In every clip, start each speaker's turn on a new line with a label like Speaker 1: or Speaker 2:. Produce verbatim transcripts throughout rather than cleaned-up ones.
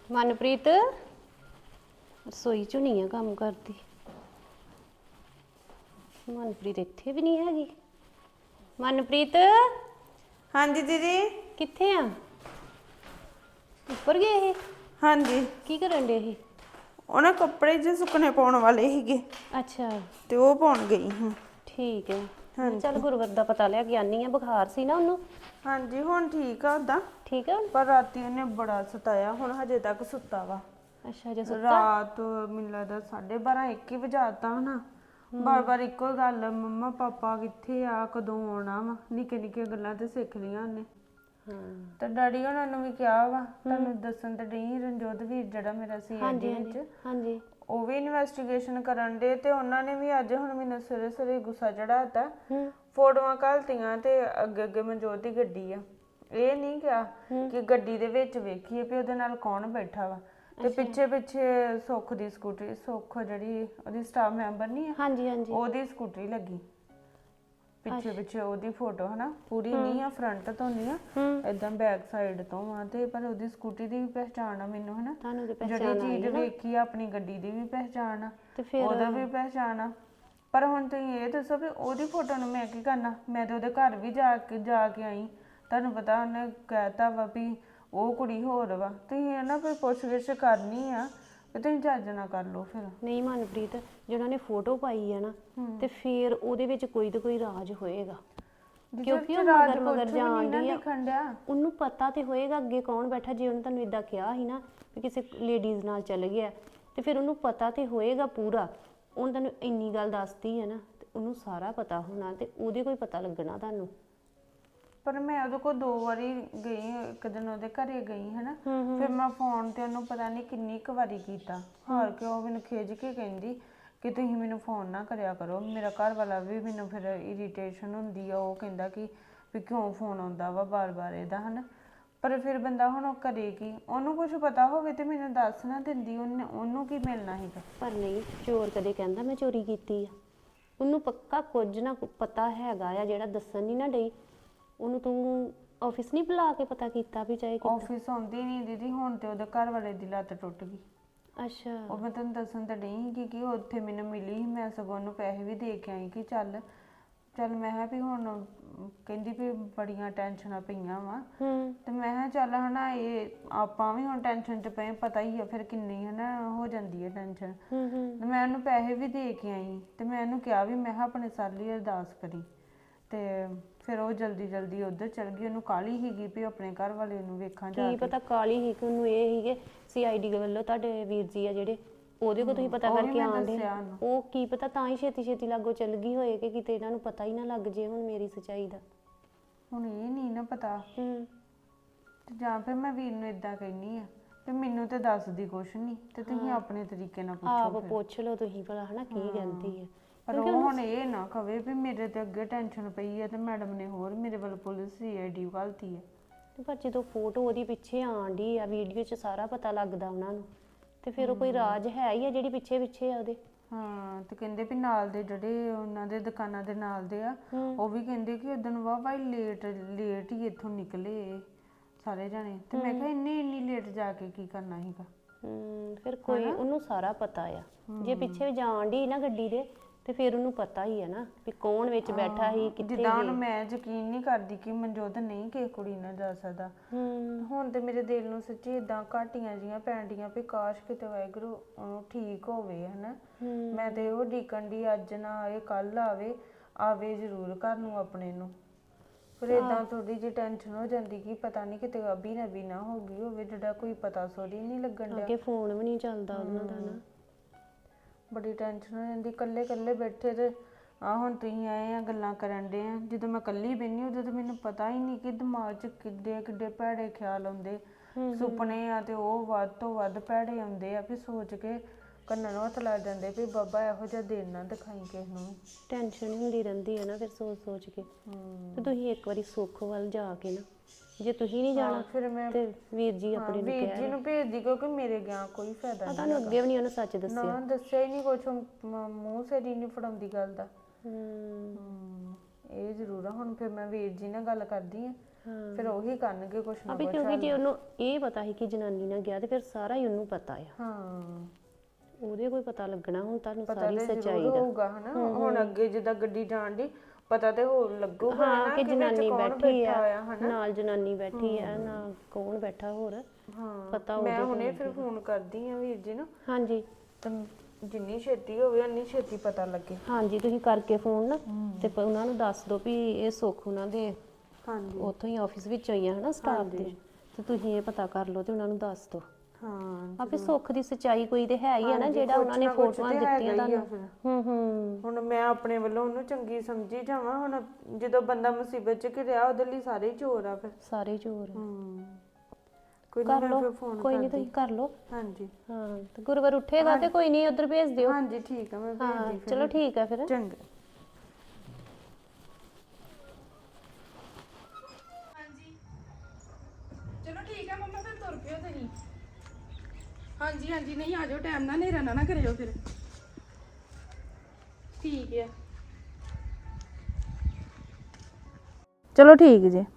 Speaker 1: ਮਨਪ੍ਰੀਤ ਰਸੋਈ ਚ ਨਹੀਂ ਆ ਕੰਮ ਕਰਦੀ। ਮਨਪ੍ਰੀਤ ਇੱਥੇ ਵੀ ਨਹੀਂ ਹੈਗੀ। ਮਨਪ੍ਰੀਤ
Speaker 2: ਹਾਂਜੀ ਦੀਦੀ।
Speaker 1: ਕਿੱਥੇ ਆ? ਉੱਪਰ ਗਏ ਇਹ?
Speaker 2: ਹਾਂਜੀ
Speaker 1: ਕੀ ਕਰਨ ਡੇ ਇਹ?
Speaker 2: ਉਹਨਾਂ ਕੱਪੜੇ ਜੇ ਸੁੱਕਣੇ ਪਾਉਣ ਵਾਲੇ ਸੀਗੇ
Speaker 1: ਅੱਛਾ
Speaker 2: ਤੇ ਉਹ ਪਾਉਣ ਗਈ ਹਾਂ।
Speaker 1: ਠੀਕ ਹੈ। ਚੱਲ ਗੁਰਵਰ ਦਾ ਪਤਾ ਲਿਆ ਕੇ ਆਨੀ ਆ, ਬੁਖਾਰ ਸੀ ਨਾ ਉਹਨੂੰ।
Speaker 2: ਹਾਂਜੀ ਹੁਣ ਠੀਕ ਆ ਉਦਾਂ,
Speaker 1: ਠੀਕ ਆ ਹੁਣ?
Speaker 2: ਪਰ ਰਾਤੀ ਉਹਨੇ ਬੜਾ ਸਤਾਇਆ, ਹੁਣ ਹਜੇ ਤੱਕ ਸੁੱਤਾ ਵਾ।
Speaker 1: ਅੱਛਾ ਜੇ ਸੁੱਤਾ?
Speaker 2: ਰਾਤ ਮੈਨੂੰ ਲੱਗਦਾ ਸਾਢੇ ਬਾਰਾਂ ਇੱਕ ਹੀ ਵਜਾਤਾ ਹਨਾ। ਬਾਰ ਬਾਰ ਇੱਕੋ ਹੀ ਗੱਲ, ਮੰਮਾ ਪਾਪਾ ਕਿੱਥੇ ਆ, ਕਦੋਂ ਆਉਣਾ ਵਾ। ਨਿੱਕੇ ਨਿੱਕੇ ਗੱਲਾਂ ਤੇ ਸਿੱਖ ਲਈਆਂ ਉਹਨੇ। ਤੇ ਡੈਡੀ ਉਹਨਾਂ ਨੂੰ ਵੀ ਕਿਹਾ ਵਾ, ਤੁਹਾਨੂੰ ਦੱਸਣ ਤੇ ਡਈ ਰਣਜੋਤ ਵੀਰ ਜਿਹੜਾ ਮੇਰਾ ਸੀ ਆਈਡੀ ਵਿੱਚ,
Speaker 1: ਹਾਂਜੀ
Speaker 2: ਉਹ ਵੀ ਇਨਵੈਸਟੀਗੇਸ਼ਨ ਕਰਨ ਦੇ। ਤੇ ਉਹਨਾਂ ਨੇ ਵੀ ਅੱਜ ਹੁਣ ਮੈਨੂੰ ਸਵੇਰੇ ਸਵੇਰੇ ਗੁੱਸਾ ਚੜਾਤਾ, ਫੋਟੋਆਂ ਘੱਲਤੀਆਂ ਤੇ ਅੱਗੇ ਅੱਗੇ ਮਨਜੋਤ ਦੀ ਗੱਡੀ ਆ। ਇਹ ਨਹੀਂ ਕਿਹਾ ਕਿ ਗੱਡੀ ਦੇ ਵਿੱਚ ਵੇਖੀਏ ਵੀ ਉਹਦੇ ਨਾਲ ਕੌਣ ਬੈਠਾ ਵਾ। ਤੇ ਪਿੱਛੇ ਪਿੱਛੇ ਸੁੱਖ ਦੀ ਸਕੂਟਰੀ, ਸੁੱਖ ਜਿਹੜੀ ਉਹਦੀ ਸਟਾਫ ਮੈਂਬਰ ਨਹੀਂ ਆ,
Speaker 1: ਹਾਂਜੀ ਹਾਂਜੀ
Speaker 2: ਉਹਦੀ ਸਕੂਟਰੀ ਲੱਗੀ ਪਿੱਛੇ ਪਿੱਛੇ। ਉਹਦੀ ਫੋਟੋ ਹਨਾ ਪੂਰੀ ਨਹੀਂ ਆ, ਫਰੰਟ ਤੋਂ ਨਹੀਂ ਆ, ਏਦਾਂ ਬੈਕ ਸਾਈਡ ਤੋਂ ਆ। ਤੇ ਪਰ ਉਹਦੀ ਸਕੂਟਰੀ ਦੀ ਵੀ ਪਹਿਚਾਣ ਆ ਮੈਨੂੰ ਹਨਾ,
Speaker 1: ਤੁਹਾਨੂੰ ਤੇ ਪਹਿਚਾਣ
Speaker 2: ਜਿਹੜੀ ਚੀਜ਼ ਵੇਖੀ ਆ, ਆਪਣੀ ਗੱਡੀ ਦੀ ਵੀ ਪਹਿਚਾਣ ਆ,
Speaker 1: ਤੇ ਫਿਰ
Speaker 2: ਉਹਦਾ ਵੀ ਪਹਿਚਾਣ ਆ। ਪਰ ਹੁਣ ਤੁਸੀਂ ਇਹ ਦੱਸੋ ਵੀ ਉਹਦੀ ਫੋਟੋ ਨੂੰ ਮੈਂ ਕੀ ਕਰਨਾ? ਮੈਂ ਤਾਂ ਉਹਦੇ ਘਰ ਵੀ ਜਾ ਕੇ ਜਾ ਕੇ ਆਈ, ਤੁਹਾਨੂੰ ਪਤਾ ਉਹਨੇ ਕਹਿਤਾ ਵਾ ਵੀ ਉਹ ਕੁੜੀ ਹੋਰ ਵਾ। ਤੁਸੀਂ ਨਾ ਕੋਈ ਪੁੱਛ ਗਿੱਛ ਕਰਨੀ ਆ ਤੇ ਤੁਸੀਂ ਚੱਜ ਨਾ ਕਰ ਲਓ ਫਿਰ।
Speaker 1: ਨਹੀਂ ਮਨਪ੍ਰੀਤ, ਜਿਹੜਾ ਨੇ ਫੋਟੋ ਪਾਈ ਆ ਨਾ, ਤੇ ਫਿਰ ਉਹਦੇ ਵਿੱਚ ਕੋਈ ਤਾਂ ਕੋਈ ਰਾਜ ਹੋਏਗਾ, ਕਿਉਂਕਿ ਉਹ ਮਗਰ ਮਗਰ ਜਾਣ ਡਈ ਆ। ਉਹਨੂੰ ਪਤਾ ਤੇ ਹੋਏਗਾ ਅੱਗੇ ਕੌਣ ਬੈਠਾ। ਜੇ ਉਹਨੇ ਤੁਹਾਨੂੰ ਇਦਾਂ ਕਿਹਾ ਸੀ ਨਾ ਵੀ ਕਿਸੇ ਲੇਡੀਜ਼ ਨਾਲ ਚੱਲ ਗਿਆ, ਤੇ ਫਿਰ ਉਹਨੂੰ ਪਤਾ ਤੇ ਹੋਏਗਾ ਪੂਰਾ। ਉਹਨੇ ਤੁਹਾਨੂੰ ਇੰਨੀ ਗੱਲ ਦੱਸਦੀ ਹੈ ਨਾ, ਤੇ ਉਹਨੂੰ ਸਾਰਾ ਪਤਾ ਹੋਣਾ, ਤੇ ਉਹਦੇ ਕੋਈ ਪਤਾ ਲੱਗਣਾ ਤੁਹਾਨੂੰ।
Speaker 2: ਪਰ ਮੈਂ ਉਹਦੇ ਕੋਲ ਦੋ ਵਾਰੀ ਗਈ, ਇੱਕ ਦਿਨ ਉਹਦੇ ਘਰੇ ਗਈ ਹਨਾ, ਫਿਰ ਮੈਂ ਫੋਨ ਤੇ ਉਹਨੂੰ ਪਤਾ ਨਹੀਂ ਕਿੰਨੀ ਕੁ ਵਾਰੀ ਕੀਤਾ। ਹਾਰ ਕੇ ਉਹ ਮੈਨੂੰ ਖਿੱਚ ਕੇ ਕਹਿੰਦੀ ਕਿ ਤੁਸੀਂ ਮੈਨੂੰ ਫੋਨ ਨਾ ਕਰਿਆ ਕਰੋ। ਮੇਰਾ ਘਰ ਵਾਲਾ ਵੀ ਮੈਨੂੰ ਫਿਰ ਇਰੀਟੇਸ਼ਨ ਹੁੰਦੀ ਆ, ਉਹ ਕਹਿੰਦਾ ਕਿ ਵੀ ਕਿਉਂ ਫੋਨ ਆਉਂਦਾ ਵਾ ਬਾਰ ਬਾਰ ਇਹਦਾ ਹਨਾ। ਪਰ ਫਿਰ ਬੰਦਾ ਹੁਣ ਉਹ ਕਰੇ ਕੀ? ਉਹਨੂੰ ਕੁਝ ਪਤਾ ਹੋਵੇ ਤੇ ਮੈਨੂੰ ਦੱਸ ਨਾ ਦਿੰਦੀ, ਉਹਨੇ ਉਹਨੂੰ ਕੀ ਮਿਲਣਾ ਸੀਗਾ।
Speaker 1: ਪਰ ਨਹੀਂ, ਚੋਰ ਕਦੇ ਕਹਿੰਦਾ ਮੈਂ ਚੋਰੀ ਕੀਤੀ ਆ? ਉਹਨੂੰ ਪੱਕਾ ਕੁਝ ਨਾ ਪਤਾ ਹੈਗਾ ਆ, ਜਿਹੜਾ ਦੱਸਣ ਨਹੀਂ ਨਾ ਡਈ। ਉਹਨੂੰ ਤੂੰ ਆਫਿਸ ਨਹੀਂ ਬੁਲਾ ਕੇ ਪਤਾ ਕੀਤਾ ਵੀ ਚਾਹੇ ਕਿੱਦਾਂ?
Speaker 2: ਆਫਿਸ ਆਉਂਦੀ ਨਹੀਂ ਦੀਦੀ, ਹੁਣ ਤੇ ਉਹਦੇ ਘਰ ਵਾਲੇ ਦੀ ਲੱਤ ਟੁੱਟ ਗਈ।
Speaker 1: ਅੱਛਾ
Speaker 2: ਉਹ ਮੈਂ ਤੁਹਾਨੂੰ ਦੱਸਣ ਤਾਂ ਡਈ ਸੀ ਕਿ ਉੱਥੇ ਮੈਨੂੰ ਮਿਲੀ, ਮੈਂ ਸਗੋਂ ਉਹਨੂੰ ਪੈਸੇ ਵੀ ਦੇ ਕੇ ਆਈ ਕਿ ਚੱਲ ਚੱਲ ਮੈਂ ਕਿਹਾ ਵੀ ਹੁਣ ਕਹਿੰਦੀ ਵੀ ਬੜੀਆਂ ਟੈਨਸ਼ਨਾਂ ਪਈਆਂ ਵਾ। ਤੇ ਮੈਂ ਕਿਹਾ ਚੱਲ ਹਨਾ, ਇਹ ਆਪਾਂ ਵੀ ਹੁਣ ਟੈਨਸ਼ਨ 'ਚ ਪਏ, ਪਤਾ ਹੀ ਆ ਫਿਰ ਕਿੰਨੀ ਹਨਾ ਹੋ ਜਾਂਦੀ ਹੈ ਟੈਨਸ਼ਨ। ਤੇ ਮੈਂ ਉਹਨੂੰ ਪੈਸੇ ਵੀ ਦੇ ਕੇ ਆਈ, ਤੇ ਮੈਂ ਉਹਨੂੰ ਕਿਹਾ ਵੀ ਮੈਂ ਕਿਹਾ ਆਪਣੇ ਸਰ ਲਈ ਅਰਦਾਸ ਕਰੀ। ਤੇ ਫਿਰ ਉਹ ਜਲਦੀ ਜਲਦੀ ਉੱਧਰ ਚਲ ਗਈ। ਉਹਨੂੰ ਕਾਹਲੀ ਸੀਗੀ ਵੀ ਆਪਣੇ ਘਰ ਵਾਲੇ ਨੂੰ ਵੇਖਾਂ ਜਾ ਕੇ।
Speaker 1: ਕੀ ਪਤਾ ਕਾਲੀ ਸੀ ਕਿ ਉਹਨੂੰ ਇਹ ਸੀਗੇ ਸੀ ਆਈ ਡੀ ਵੱਲੋਂ ਤੁਹਾਡੇ ਵੀਰ ਜੀ ਆ ਜਿਹੜੇ, ਉਹਦੇ ਕੋਲ ਤੁਸੀਂ ਪਤਾ ਕਰਕੇ ਆਉਂਦੇ, ਉਹ ਕੀ ਪਤਾ ਤਾਂ ਹੀ ਛੇਤੀ ਛੇਤੀ ਲਾਗੋ ਚੱਲ ਗਈ ਹੋਏ ਕਿ ਕਿਤੇ ਇਹਨਾਂ ਨੂੰ ਪਤਾ ਹੀ ਨਾ ਲੱਗ ਜੇ ਹੁਣ ਮੇਰੀ ਸੱਚਾਈ ਦਾ।
Speaker 2: ਹੁਣ ਇਹ ਨਹੀਂ ਨਾ ਪਤਾ,
Speaker 1: ਹੂੰ
Speaker 2: ਤੇ ਜਾਂ ਫਿਰ ਮੈਂ ਵੀਰ ਨੂੰ ਇਦਾਂ ਕਹਿੰਦੀ ਆ ਤੇ ਮੈਨੂੰ ਤੇ ਦੱਸਦੀ ਕੁਛ ਨਹੀਂ, ਤੇ ਤੁਸੀਂ ਆਪਣੇ ਤਰੀਕੇ ਨਾਲ ਪੁੱਛੋ।
Speaker 1: ਆਪ ਪੁੱਛ ਲਓ ਤੁਸੀਂ ਭਲਾ ਹਨਾ ਕੀ ਕਹਿੰਦੀ ਹੈ।
Speaker 2: ਪਰ ਉਹ ਹੁਣ ਇਹ ਨਾ ਕਵੇ ਵੀ ਮੇਰੇ ਤੇ ਅੱਗੇ ਟੈਨਸ਼ਨ ਪਈ ਹੈ ਤੇ ਮੈਡਮ ਨੇ ਹੋਰ ਮੇਰੇ ਵੱਲ ਪੁਲਿਸ ਸੀ ਆਈ ਡੀ ਘੱਲਤੀ ਹੈ।
Speaker 1: ਪਰ ਜਦੋਂ ਫੋਟੋ ਉਹਦੀ ਪਿੱਛੇ ਆਣ ਡਈ ਆ, ਵੀਡੀਓ 'ਚ ਸਾਰਾ ਪਤਾ ਲੱਗਦਾ ਉਹਨਾਂ ਨੂੰ, ਤੇ ਫਿਰ ਉਹ ਕੋਈ ਰਾਜ ਹੈ ਹੀ ਆ ਜਿਹੜੀ ਪਿੱਛੇ ਪਿੱਛੇ ਆ ਉਹਦੇ।
Speaker 2: ਹਾਂ ਤੇ ਕਹਿੰਦੇ ਵੀ ਨਾਲ ਦੇ ਜਿਹੜੇ ਉਹਨਾਂ ਦੇ ਦੁਕਾਨਾਂ ਦੇ ਨਾਲ ਦੇ ਆ, ਉਹ ਵੀ ਕਹਿੰਦੇ ਕਿ ਉਦੋਂ ਵਾਹ ਭਾਈ ਲੇਟ ਲੇਟ ਹੀ ਇੱਥੋਂ ਨਿਕਲੇ ਸਾਰੇ ਜਾਣੇ। ਤੇ ਮੈਂ ਕਿਹਾ ਇੰਨੀ ਇੰਨੀ ਲੇਟ ਜਾ ਕੇ ਕੀ ਕਰਨਾ ਸੀਗਾ।
Speaker 1: ਹੂੰ ਫਿਰ ਕੋਈ ਉਹਨੂੰ ਸਾਰਾ ਪਤਾ ਆ, ਜੇ ਪਿੱਛੇ ਵੀ ਜਾਣ ਡਈ ਨਾ ਗੱਡੀ ਦੇ, ਤੇ ਫਿਰ ਉਹਨੂੰ ਪਤਾ ਹੀ ਹੈ ਨਾ ਵੀ ਕੌਣ ਵਿੱਚ ਬੈਠਾ ਸੀ, ਕਿੱਥੇ।
Speaker 2: ਜਿੱਦਾਂ ਹੁਣ ਮੈਂ ਯਕੀਨ ਨਹੀਂ ਕਰਦੀ ਕਿ ਮਨਜੋਤ ਨਹੀਂ ਕਿਸੇ ਕੁੜੀ ਨਾਲ ਜਾ ਸਕਦਾ। ਹੁਣ ਤੇ ਮੇਰੇ ਦਿਲ ਨੂੰ ਸੱਚੀ ਇਦਾਂ ਘਾਟੀਆਂ ਜੀਆਂ ਪੈਣ ਡੀਆਂ ਵੀ ਕਾਸ਼ ਕਿਤੇ ਵਾਹਿਗੁਰੂ ਉਹਨੂੰ ਠੀਕ ਹੋਵੇ ਹਨਾ। ਮੈਂ ਤੇ ਉਹ ਡੀਕਣ ਦੀ ਅੱਜ ਨਾ ਆਏ ਕੱਲ ਆਵੇ, ਆਵੇ ਜ਼ਰੂਰ ਘਰ ਨੂੰ ਆਪਣੇ ਨੂੰ। ਫਿਰ ਏਦਾਂ ਥੋੜੀ ਜਿਹੀ ਟੈਨਸ਼ਨ ਹੋ ਜਾਂਦੀ ਕਿ ਪਤਾ ਨਹੀਂ ਕਿਤੇ ਅਭੀ ਨਬੀ ਨਾ ਹੋ ਗਈ ਹੋਵੇ, ਜਿਹੜਾ ਕੋਈ ਪਤਾ ਸੋਰੀ ਨਹੀਂ ਲੱਗਣ ਡਿਆ।
Speaker 1: ਅੱਗੇ ਫੋਨ ਵੀ ਨਹੀਂ ਚੱਲਦਾ ਉਹਨਾਂ ਦਾ ਨਾ,
Speaker 2: ਬੜੀ ਟੈਨਸ਼ਨ ਹੋ ਜਾਂਦੀ। ਇਕੱਲੇ ਇਕੱਲੇ ਬੈਠੇ ਤੇ ਆ ਹੁਣ ਤੁਸੀਂ ਆਏ ਆ ਗੱਲਾਂ ਕਰਨ ਡੇ ਆ, ਜਦੋਂ ਮੈਂ ਇਕੱਲੀ ਬਹਿੰਦੀ ਉਦੋਂ ਤਾਂ ਮੈਨੂੰ ਪਤਾ ਹੀ ਨਹੀਂ ਕਿ ਦਿਮਾਗ 'ਚ ਕਿੱਡੇ ਕਿੱਡੇ ਭੈੜੇ ਖਿਆਲ ਆਉਂਦੇ। ਸੁਪਨੇ ਆ ਤੇ ਉਹ ਵੱਧ ਤੋਂ ਵੱਧ ਭੈੜੇ ਆਉਂਦੇ ਆ ਵੀ ਸੋਚ ਕੇ ਕੰਨਾਂ ਨੂੰ ਹੱਥ ਲੱਗ ਜਾਂਦੇ ਵੀ ਬਾਬਾ ਇਹੋ ਜਿਹਾ ਦਿਨ ਨਾ ਦਿਖਾਈ ਕਿਸੇ ਨੂੰ।
Speaker 1: ਟੈਨਸ਼ਨ ਹੁੰਦੀ ਰਹਿੰਦੀ ਹੈ ਨਾ ਫਿਰ ਸੋਚ ਸੋਚ ਕੇ। ਤੇ ਤੁਸੀਂ ਇੱਕ ਵਾਰੀ ਸੁੱਖ ਵੱਲ ਜਾ ਕੇ ਨਾ, ਜੇ ਤੁਸੀਂ ਨਹੀਂ ਜਾਣਾ
Speaker 2: ਫਿਰ ਮੈਂ
Speaker 1: ਤੇ ਵੀਰ ਜੀ ਆਪਣੇ ਨੂੰ
Speaker 2: ਵੀਰ ਜੀ ਨੂੰ ਭੇਜਦੀ, ਕਿਉਂਕਿ ਮੇਰੇ ਗਿਆ ਕੋਈ ਫਾਇਦਾ ਨਹੀਂ।
Speaker 1: ਤੁਹਾਨੂੰ ਅੱਗੇ ਵੀ ਨਹੀਂ ਉਹਨੇ ਸੱਚ ਦੱਸਿਆ
Speaker 2: ਨਾ ਦੱਸਿਆ ਹੀ ਨਹੀਂ ਕੁਛ, ਮੂੰਹ ਸਿਰ ਹੀ ਨਹੀਂ ਫੜਾਉਂਦੀ ਗੱਲ ਦਾ।
Speaker 1: ਹੂੰ
Speaker 2: ਇਹ ਜ਼ਰੂਰ ਆ। ਹੁਣ ਫਿਰ ਮੈਂ ਵੀਰ ਜੀ ਨਾਲ ਗੱਲ ਕਰਦੀ ਆ, ਫਿਰ ਉਹੀ ਕਰਨਗੇ ਕੁਛ ਨਾ
Speaker 1: ਅਬੇ
Speaker 2: ਕੁਛ।
Speaker 1: ਕਿਉਂਕਿ ਜੇ ਉਹਨੂੰ ਇਹ ਪਤਾ ਸੀ ਕਿ ਜਨਾਨੀ ਨਾਲ ਗਿਆ ਤੇ ਫਿਰ ਸਾਰਾ ਹੀ ਉਹਨੂੰ ਪਤਾ ਆ।
Speaker 2: ਹਾਂ
Speaker 1: ਉਹਦੇ ਕੋਈ ਪਤਾ ਲੱਗਣਾ ਹੁਣ ਤੁਹਾਨੂੰ
Speaker 2: ਪਤਾ
Speaker 1: ਸਾਰੀ
Speaker 2: ਤੇ
Speaker 1: ਸੱਚਾਈ
Speaker 2: ਜ਼ਰੂਰ
Speaker 1: ਦਾ।
Speaker 2: ਹੋਊਗਾ ਹਨਾ। ਹੁਣ ਅੱਗੇ ਜਿੱਦਾਂ ਗੱਡੀ ਜਾਣ ਦੀ ਪਤਾ ਤੇ ਹੋਰ ਲੱਗੂਗਾ
Speaker 1: ਹਾਂ
Speaker 2: ਨਾ
Speaker 1: ਕਿ
Speaker 2: ਕਿ ਵਿੱਚ
Speaker 1: ਜਨਾਨੀ
Speaker 2: ਕੌਣ
Speaker 1: ਬੈਠੀ
Speaker 2: ਬੈਠਾ
Speaker 1: ਆ,
Speaker 2: ਆ ਹਨਾ।
Speaker 1: ਨਾਲ ਜਨਾਨੀ ਬੈਠੀ ਆ, ਨਾ ਕੌਣ ਬੈਠਾ ਹੋਰ
Speaker 2: ਹਾਂ
Speaker 1: ਪਤਾ
Speaker 2: ਮੈਂ
Speaker 1: ਉਹਦੇ
Speaker 2: ਹੁਣੇ
Speaker 1: ਕੋਲ
Speaker 2: ਫਿਰ ਫੋਨ ਕਰਦੀ ਆ ਵੀਰ ਜੀ ਨੂੰ,
Speaker 1: ਹਾਂਜੀ
Speaker 2: ਤੇ ਜਿੰਨੀ ਛੇਤੀ ਹੋਵੇ ਉਨੀ ਛੇਤੀ ਪਤਾ ਲੱਗੇ।
Speaker 1: ਹਾਂਜੀ ਤੁਸੀਂ ਕਰਕੇ ਫੋਨ ਨਾ ਤੇ ਪ- ਉਹਨਾਂ ਨੂੰ ਦੱਸ ਦਿਓ ਵੀ ਇਹ ਸੁੱਖ ਉਹਨਾਂ ਦੇ
Speaker 2: ਹਾਂਜੀ
Speaker 1: ਉੱਥੋਂ ਹੀ ਆਫਿਸ ਵਿੱਚ ਆਈ ਆ ਹਨਾ ਸਟਾਫ ਦੇ, ਤੇ ਤੁਸੀਂ ਇਹ ਪਤਾ ਕਰ ਲਓ ਤੇ ਉਹਨਾਂ ਨੂੰ ਦੱਸ ਦਿਓ।
Speaker 2: ਹਾਂ
Speaker 1: ਆਪੇ ਸੁੱਖ ਦੀ ਸੱਚਾਈ ਕੋਈ ਤੇ ਹੈ ਹੀ ਆ ਨਾ,
Speaker 2: ਹਾਂਜੀ,
Speaker 1: ਜਿਹੜਾ
Speaker 2: ਕੁਛ
Speaker 1: ਉਹਨਾਂ ਨੇ
Speaker 2: ਨਾ ਕੁਛ
Speaker 1: ਫੋਟੋਆਂ
Speaker 2: ਤੇ ਹੈਗਾ
Speaker 1: ਦਿੱਤੀਆਂ
Speaker 2: ਹੀ ਆ
Speaker 1: ਤੁਹਾਨੂੰ।
Speaker 2: ਫਿਰ।
Speaker 1: ਹੂੰ ਹੂੰ
Speaker 2: ਹੁਣ ਮੈਂ ਆਪਣੇ ਵੱਲੋਂ ਉਹਨੂੰ ਚੰਗੀ ਸਮਝੀ ਜਾਵਾਂ। ਹੁਣ ਜਦੋਂ ਬੰਦਾ ਮੁਸੀਬਤ 'ਚ ਘਿਰਿਆ ਉਹਦੇ ਲਈ ਸਾਰੇ ਹੀ ਚੋਰ ਆ ਫਿਰ।
Speaker 1: ਸਾਰੇ ਚੋਰ
Speaker 2: ਹੂੰ ਕੋਈ
Speaker 1: ਕਰ
Speaker 2: ਨਹੀਂ, ਮੈਂ
Speaker 1: ਲਓ,
Speaker 2: ਫਿਰ ਫੋਨ
Speaker 1: ਕੋਈ ਨਹੀਂ
Speaker 2: ਕਰਦੀ।
Speaker 1: ਤੁਸੀਂ ਕਰ ਲਓ।
Speaker 2: ਹਾਂਜੀ
Speaker 1: ਹਾਂ ਤੇ ਗੁਰੂਵਾਰ ਉੱਠੇਗਾ ਤੇ ਕੋਈ ਨਹੀਂ ਉਧਰ ਭੇਜ ਦਿਓ।
Speaker 2: ਹਾਂਜੀ ਠੀਕ ਆ, ਮੈਂ
Speaker 1: ਹਾਂ
Speaker 2: ਭੇਜਦੀ ਫਿਰ।
Speaker 1: ਚਲੋ ਠੀਕ ਆ ਫਿਰ।
Speaker 2: ਚੰਗਾ।
Speaker 3: ਹਾਂਜੀ ਚਲੋ ਠੀਕ ਹੈ ਮੰਮਾ, ਫਿਰ ਤੁਰ ਪਿਓ ਤੁਸੀਂ। ਹਾਂਜੀ ਹਾਂਜੀ ਨਹੀਂ ਆ ਜਾਓ ਟਾਈਮ ਨਾਲ, ਹਨੇਰਾ ਨਾ ਨਾ ਕਰਿਓ ਫਿਰ। ਠੀਕ ਹੈ
Speaker 4: ਚਲੋ ਠੀਕ ਜੀ।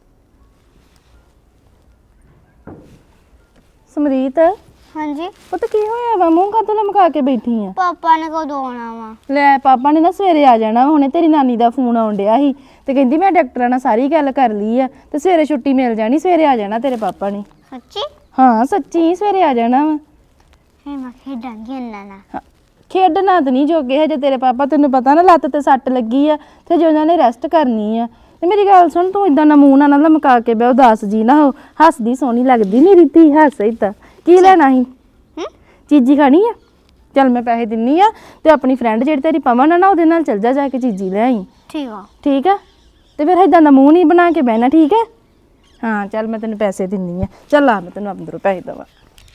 Speaker 4: ਸਮਰੀਤ
Speaker 5: ਹਾਂਜੀ
Speaker 4: ਪੁੱਤ ਕੀ ਹੋਇਆ ਵਾ, ਮੂੰਹ ਕਾਤੋਂ ਲਮਕਾ ਕੇ ਬੈਠੀ ਆ?
Speaker 5: ਪਾਪਾ ਨੇ ਕਦੋਂ ਆਉਣਾ ਵਾ?
Speaker 4: ਲੈ ਪਾਪਾ ਨੇ ਨਾ ਸਵੇਰੇ ਆ ਜਾਣਾ, ਹੁਣੇ ਤੇਰੀ ਨਾਨੀ ਦਾ ਫੋਨ ਆਉਣ ਡਿਆ ਸੀ ਤੇ ਕਹਿੰਦੀ ਮੈਂ ਡਾਕਟਰਾਂ ਨਾਲ ਸਾਰੀ ਗੱਲ ਕਰ ਲਈ ਆ ਤੇ ਸਵੇਰੇ ਛੁੱਟੀ ਮਿਲ ਜਾਣੀ, ਸਵੇਰੇ ਆ ਜਾਣਾ ਤੇਰੇ ਪਾਪਾ ਨੇ।
Speaker 5: ਸੱਚੀ?
Speaker 4: ਹਾਂ ਸੱਚੀ ਸਵੇਰੇ ਆ ਜਾਣਾ ਵਾ।
Speaker 5: ਫਿਰ ਮੈਂ ਖੇਡਾਂਗੀ ਇਹਨਾਂ ਨਾਲ।
Speaker 4: ਹਾਂ, ਖੇਡਣਾ ਤਾਂ ਨਹੀਂ ਜੋਗੇ ਹਜੇ ਤੇਰੇ ਪਾਪਾ, ਤੈਨੂੰ ਪਤਾ ਨਾ ਲੱਤ ਤੇ ਸੱਟ ਲੱਗੀ ਆ ਤੇ ਜੇ ਉਹਨਾਂ ਨੇ ਰੈਸਟ ਕਰਨੀ ਆ। ਤੇ ਮੇਰੀ ਗੱਲ ਸੁਣ, ਤੂੰ ਇਦਾਂ ਨਾ ਮੂੰਹ ਨਾਲ ਨਾ ਲਮਕਾ ਕੇ ਬਹਿ, ਉਦਾਸ ਜੀ ਨਾ ਹੋ, ਹੱਸਦੀ ਸੋਹਣੀ ਲੱਗਦੀ ਮੇਰੀ ਧੀ, ਹੱਸ ਏਦਾਂ। ਕੀ ਲੈਣਾ ਸੀ?
Speaker 5: ਹੂੰ
Speaker 4: ਚੀਜ਼ੀ ਖਾਣੀ ਆ? ਚੱਲ ਮੈਂ ਪੈਸੇ ਦਿੰਨੀ ਆ ਤੇ ਆਪਣੀ ਫਰੈਂਡ ਜਿਹੜੀ ਤੇਰੀ ਪਵਨ ਆ ਨਾ ਉਹਦੇ ਨਾਲ ਚੱਲ ਜਾ, ਜਾ ਕੇ ਚੀਜ਼ੀ ਲੈ ਆਈ।
Speaker 5: ਠੀਕ ਆ।
Speaker 4: ਠੀਕ ਆ, ਤੇ ਫਿਰ ਇਦਾਂ ਦਾ ਮੂੰਹ ਨਹੀਂ ਬਣਾ ਕੇ ਬਹਿਣਾ, ਠੀਕ ਹੈ? ਹਾਂ ਚੱਲ ਮੈਂ ਤੈਨੂੰ ਪੈਸੇ ਦਿੰਨੀ ਆ, ਚੱਲ ਆ ਮੈਂ ਤੈਨੂੰ ਅੰਦਰੋਂ ਪੈਸੇ ਦੇਵਾਂ।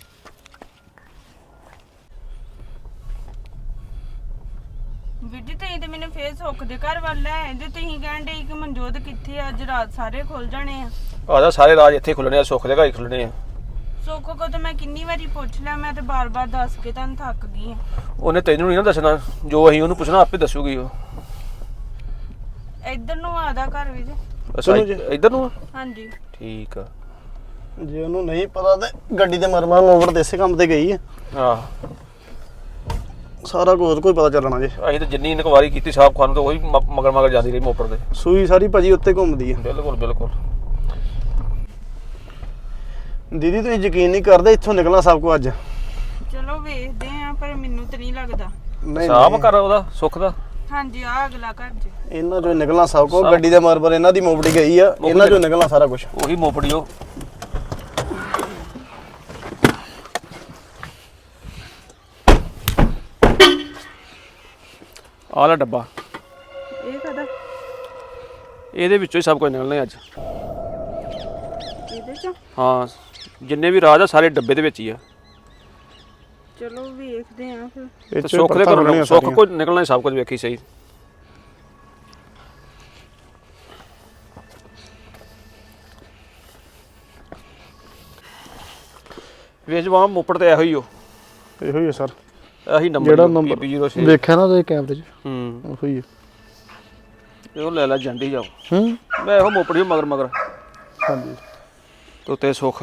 Speaker 2: ਵੀਰ ਜੀ ਤੁਸੀਂ ਤੇ ਮੈਨੂੰ ਫੇਰ ਸੁੱਖ ਦੇ ਘਰ ਵੱਲ ਲੈ ਆਏ ਜੇ। ਤੁਸੀਂ ਕਹਿਣ ਡੇ ਕਿ ਮਨਜੋਤ ਕਿੱਥੇ ਆ, ਅੱਜ ਰਾਤ ਸਾਰੇ ਖੁੱਲ ਜਾਣੇ ਆ।
Speaker 6: ਆਦਾ ਸਾਰੇ ਰਾਜ ਇੱਥੇ ਖੁੱਲਣੇ ਆ, ਸੁੱਖ ਦੇ ਘਰ ਹੀ ਖੁੱਲਣੇ ਆ।
Speaker 2: ਸੁੱਖ ਕੋ ਤਾਂ ਮੈਂ ਕਿੰਨੀ ਵਾਰੀ ਪੁੱਛ ਲਿਆ, ਮੈਂ ਤੇ ਬਾਰ-ਬਾਰ ਦੱਸ ਕੇ ਤੁਹਾਨੂੰ ਥੱਕ ਗਈ ਆ।
Speaker 6: ਉਹਨੇ ਤੈਨੂੰ ਨਹੀਂ ਨਾ ਦੱਸਣਾ, ਜੋ ਅਸੀਂ ਉਹਨੂੰ ਪੁੱਛਣਾ ਆਪੇ ਦੱਸੂਗੀ ਉਹ।
Speaker 2: ਇੱਧਰ ਨੂੰ ਆਦਾ ਘਰ ਵਿੱਚ।
Speaker 6: ਅੱਛਾ ਇੱਧਰ ਨੂੰ ਆ?
Speaker 2: ਹਾਂਜੀ
Speaker 6: ਠੀਕ ਆ।
Speaker 7: ਜੇ ਉਹਨੂੰ ਨਹੀਂ ਪਤਾ ਤੇ ਗੱਡੀ ਤੇ ਮਰਮਾ ਮੋਵਰ ਦੇ ਇਸੇ ਕੰਮ ਤੇ ਗਈ ਹੈ,
Speaker 6: ਆਹ
Speaker 7: ਸਾਰਾ ਕੁਝ ਕੋਈ ਪਤਾ ਚੱਲਣਾ ਜੇ।
Speaker 6: ਅਸੀਂ ਤਾਂ ਜਿੰਨੀ ਇਨਕੁਆਰੀ ਕੀਤੀ ਸਾਹਬ ਖਾਨ ਤੋਂ ਉਹੀ ਮ- ਮਗਰ ਮਗਰ ਜਾਂਦੀ ਰਹੀ ਮੋਪਰ ਦੇ।
Speaker 7: ਸੂਈ ਸਾਰੀ ਭਾਜੀ ਉੱਤੇ ਘੁੰਮਦੀ ਹੈ।
Speaker 6: ਬਿਲਕੁਲ ਬਿਲਕੁਲ।
Speaker 7: ਦੀਦੀ ਤੁਸੀਂ ਯਕੀਨ ਨਹੀਂ ਕਰਦੇ, ਇੱਥੋਂ ਨਿਕਲਣਾ ਸਭ ਕੁਝ ਅੱਜ।
Speaker 2: ਚਲੋ ਵੇਖਦੇ ਆ, ਪਰ ਮੈਨੂੰ ਤਾਂ ਨਹੀਂ ਲੱਗਦਾ।
Speaker 7: ਨਹੀਂ
Speaker 6: ਸਾਹਬ ਕਰ ਉਹਦਾ ਸੁੱਖ ਦਾ।
Speaker 2: ਹਾਂਜੀ ਆ ਅਗਲਾ ਘਰ ਜੀ।
Speaker 7: ਇਹਨਾਂ ਚੋਂ ਨਿਕਲਣਾ ਸਭ ਕੁਝ। ਗੱਡੀ ਦੇ ਮਰਮਰ ਇਹਨਾਂ ਦੀ ਮੋਵੜੀ ਗਈ ਆ, ਇਹਨਾਂ ਚੋਂ ਨਿਕਲਣਾ ਸਾਰਾ ਕੁਝ।
Speaker 6: ਉਹੀ ਮੋਪੜੀ ਉਹ। ਆਹ ਲੈ ਡੱਬਾ,
Speaker 2: ਇਹ ਕਦਾ
Speaker 6: ਇਹਦੇ ਵਿੱਚੋਂ ਹੀ ਸਭ ਕੁਝ ਨਿਕਲਣਾ ਅੱਜ।
Speaker 2: ਇਹਦੇ ਚੋਂ?
Speaker 6: ਹਾਂ ਜਿੰਨੇ ਵੀ ਰਾਜ ਆ ਸਾਰੇ ਡੱਬੇ ਦੇ ਵਿੱਚ ਹੀ ਆ।
Speaker 2: ਚਲੋ ਵੇਖਦੇ ਆ ਫਿਰ।
Speaker 6: ਤੇ ਸੁੱਖ ਦੇ ਘਰੋਂ ਸੁੱਖ ਕੁਝ ਨਿਕਲਣਾ ਸਭ ਕੁਝ ਵੇਖੀ ਸਹੀ। ਵੇਜਵਾ ਮੋਪੜ ਤੇ ਇਹੋ ਹੀ ਹੋ,
Speaker 7: ਇਹੋ ਹੀ ਹੈ ਸਰ,
Speaker 6: ਇਹੀ ਨੰਬਰ
Speaker 7: ਜਿਹੜਾ ਨੰਬਰ
Speaker 6: ਪੀ ਜ਼ੀਰੋ ਛੇ
Speaker 7: ਦੇਖਿਆ ਨਾ ਉਹਦੇ ਕੈਮਰੇ 'ਚ,
Speaker 6: ਹੂੰ
Speaker 7: ਉਹੋ ਹੀ ਹੈ।
Speaker 6: ਉਹ ਲੈ ਲੈ ਜਾਂਦੀ ਜਾਓ।
Speaker 7: ਹੂੰ
Speaker 6: ਮੈਂ ਇਹੋ ਮੋਪੜੀ ਮਗਰ ਮਗਰ
Speaker 7: ਹਾਂਜੀ
Speaker 6: ਤੇ ਉੱਤੇ ਸੁੱਖ।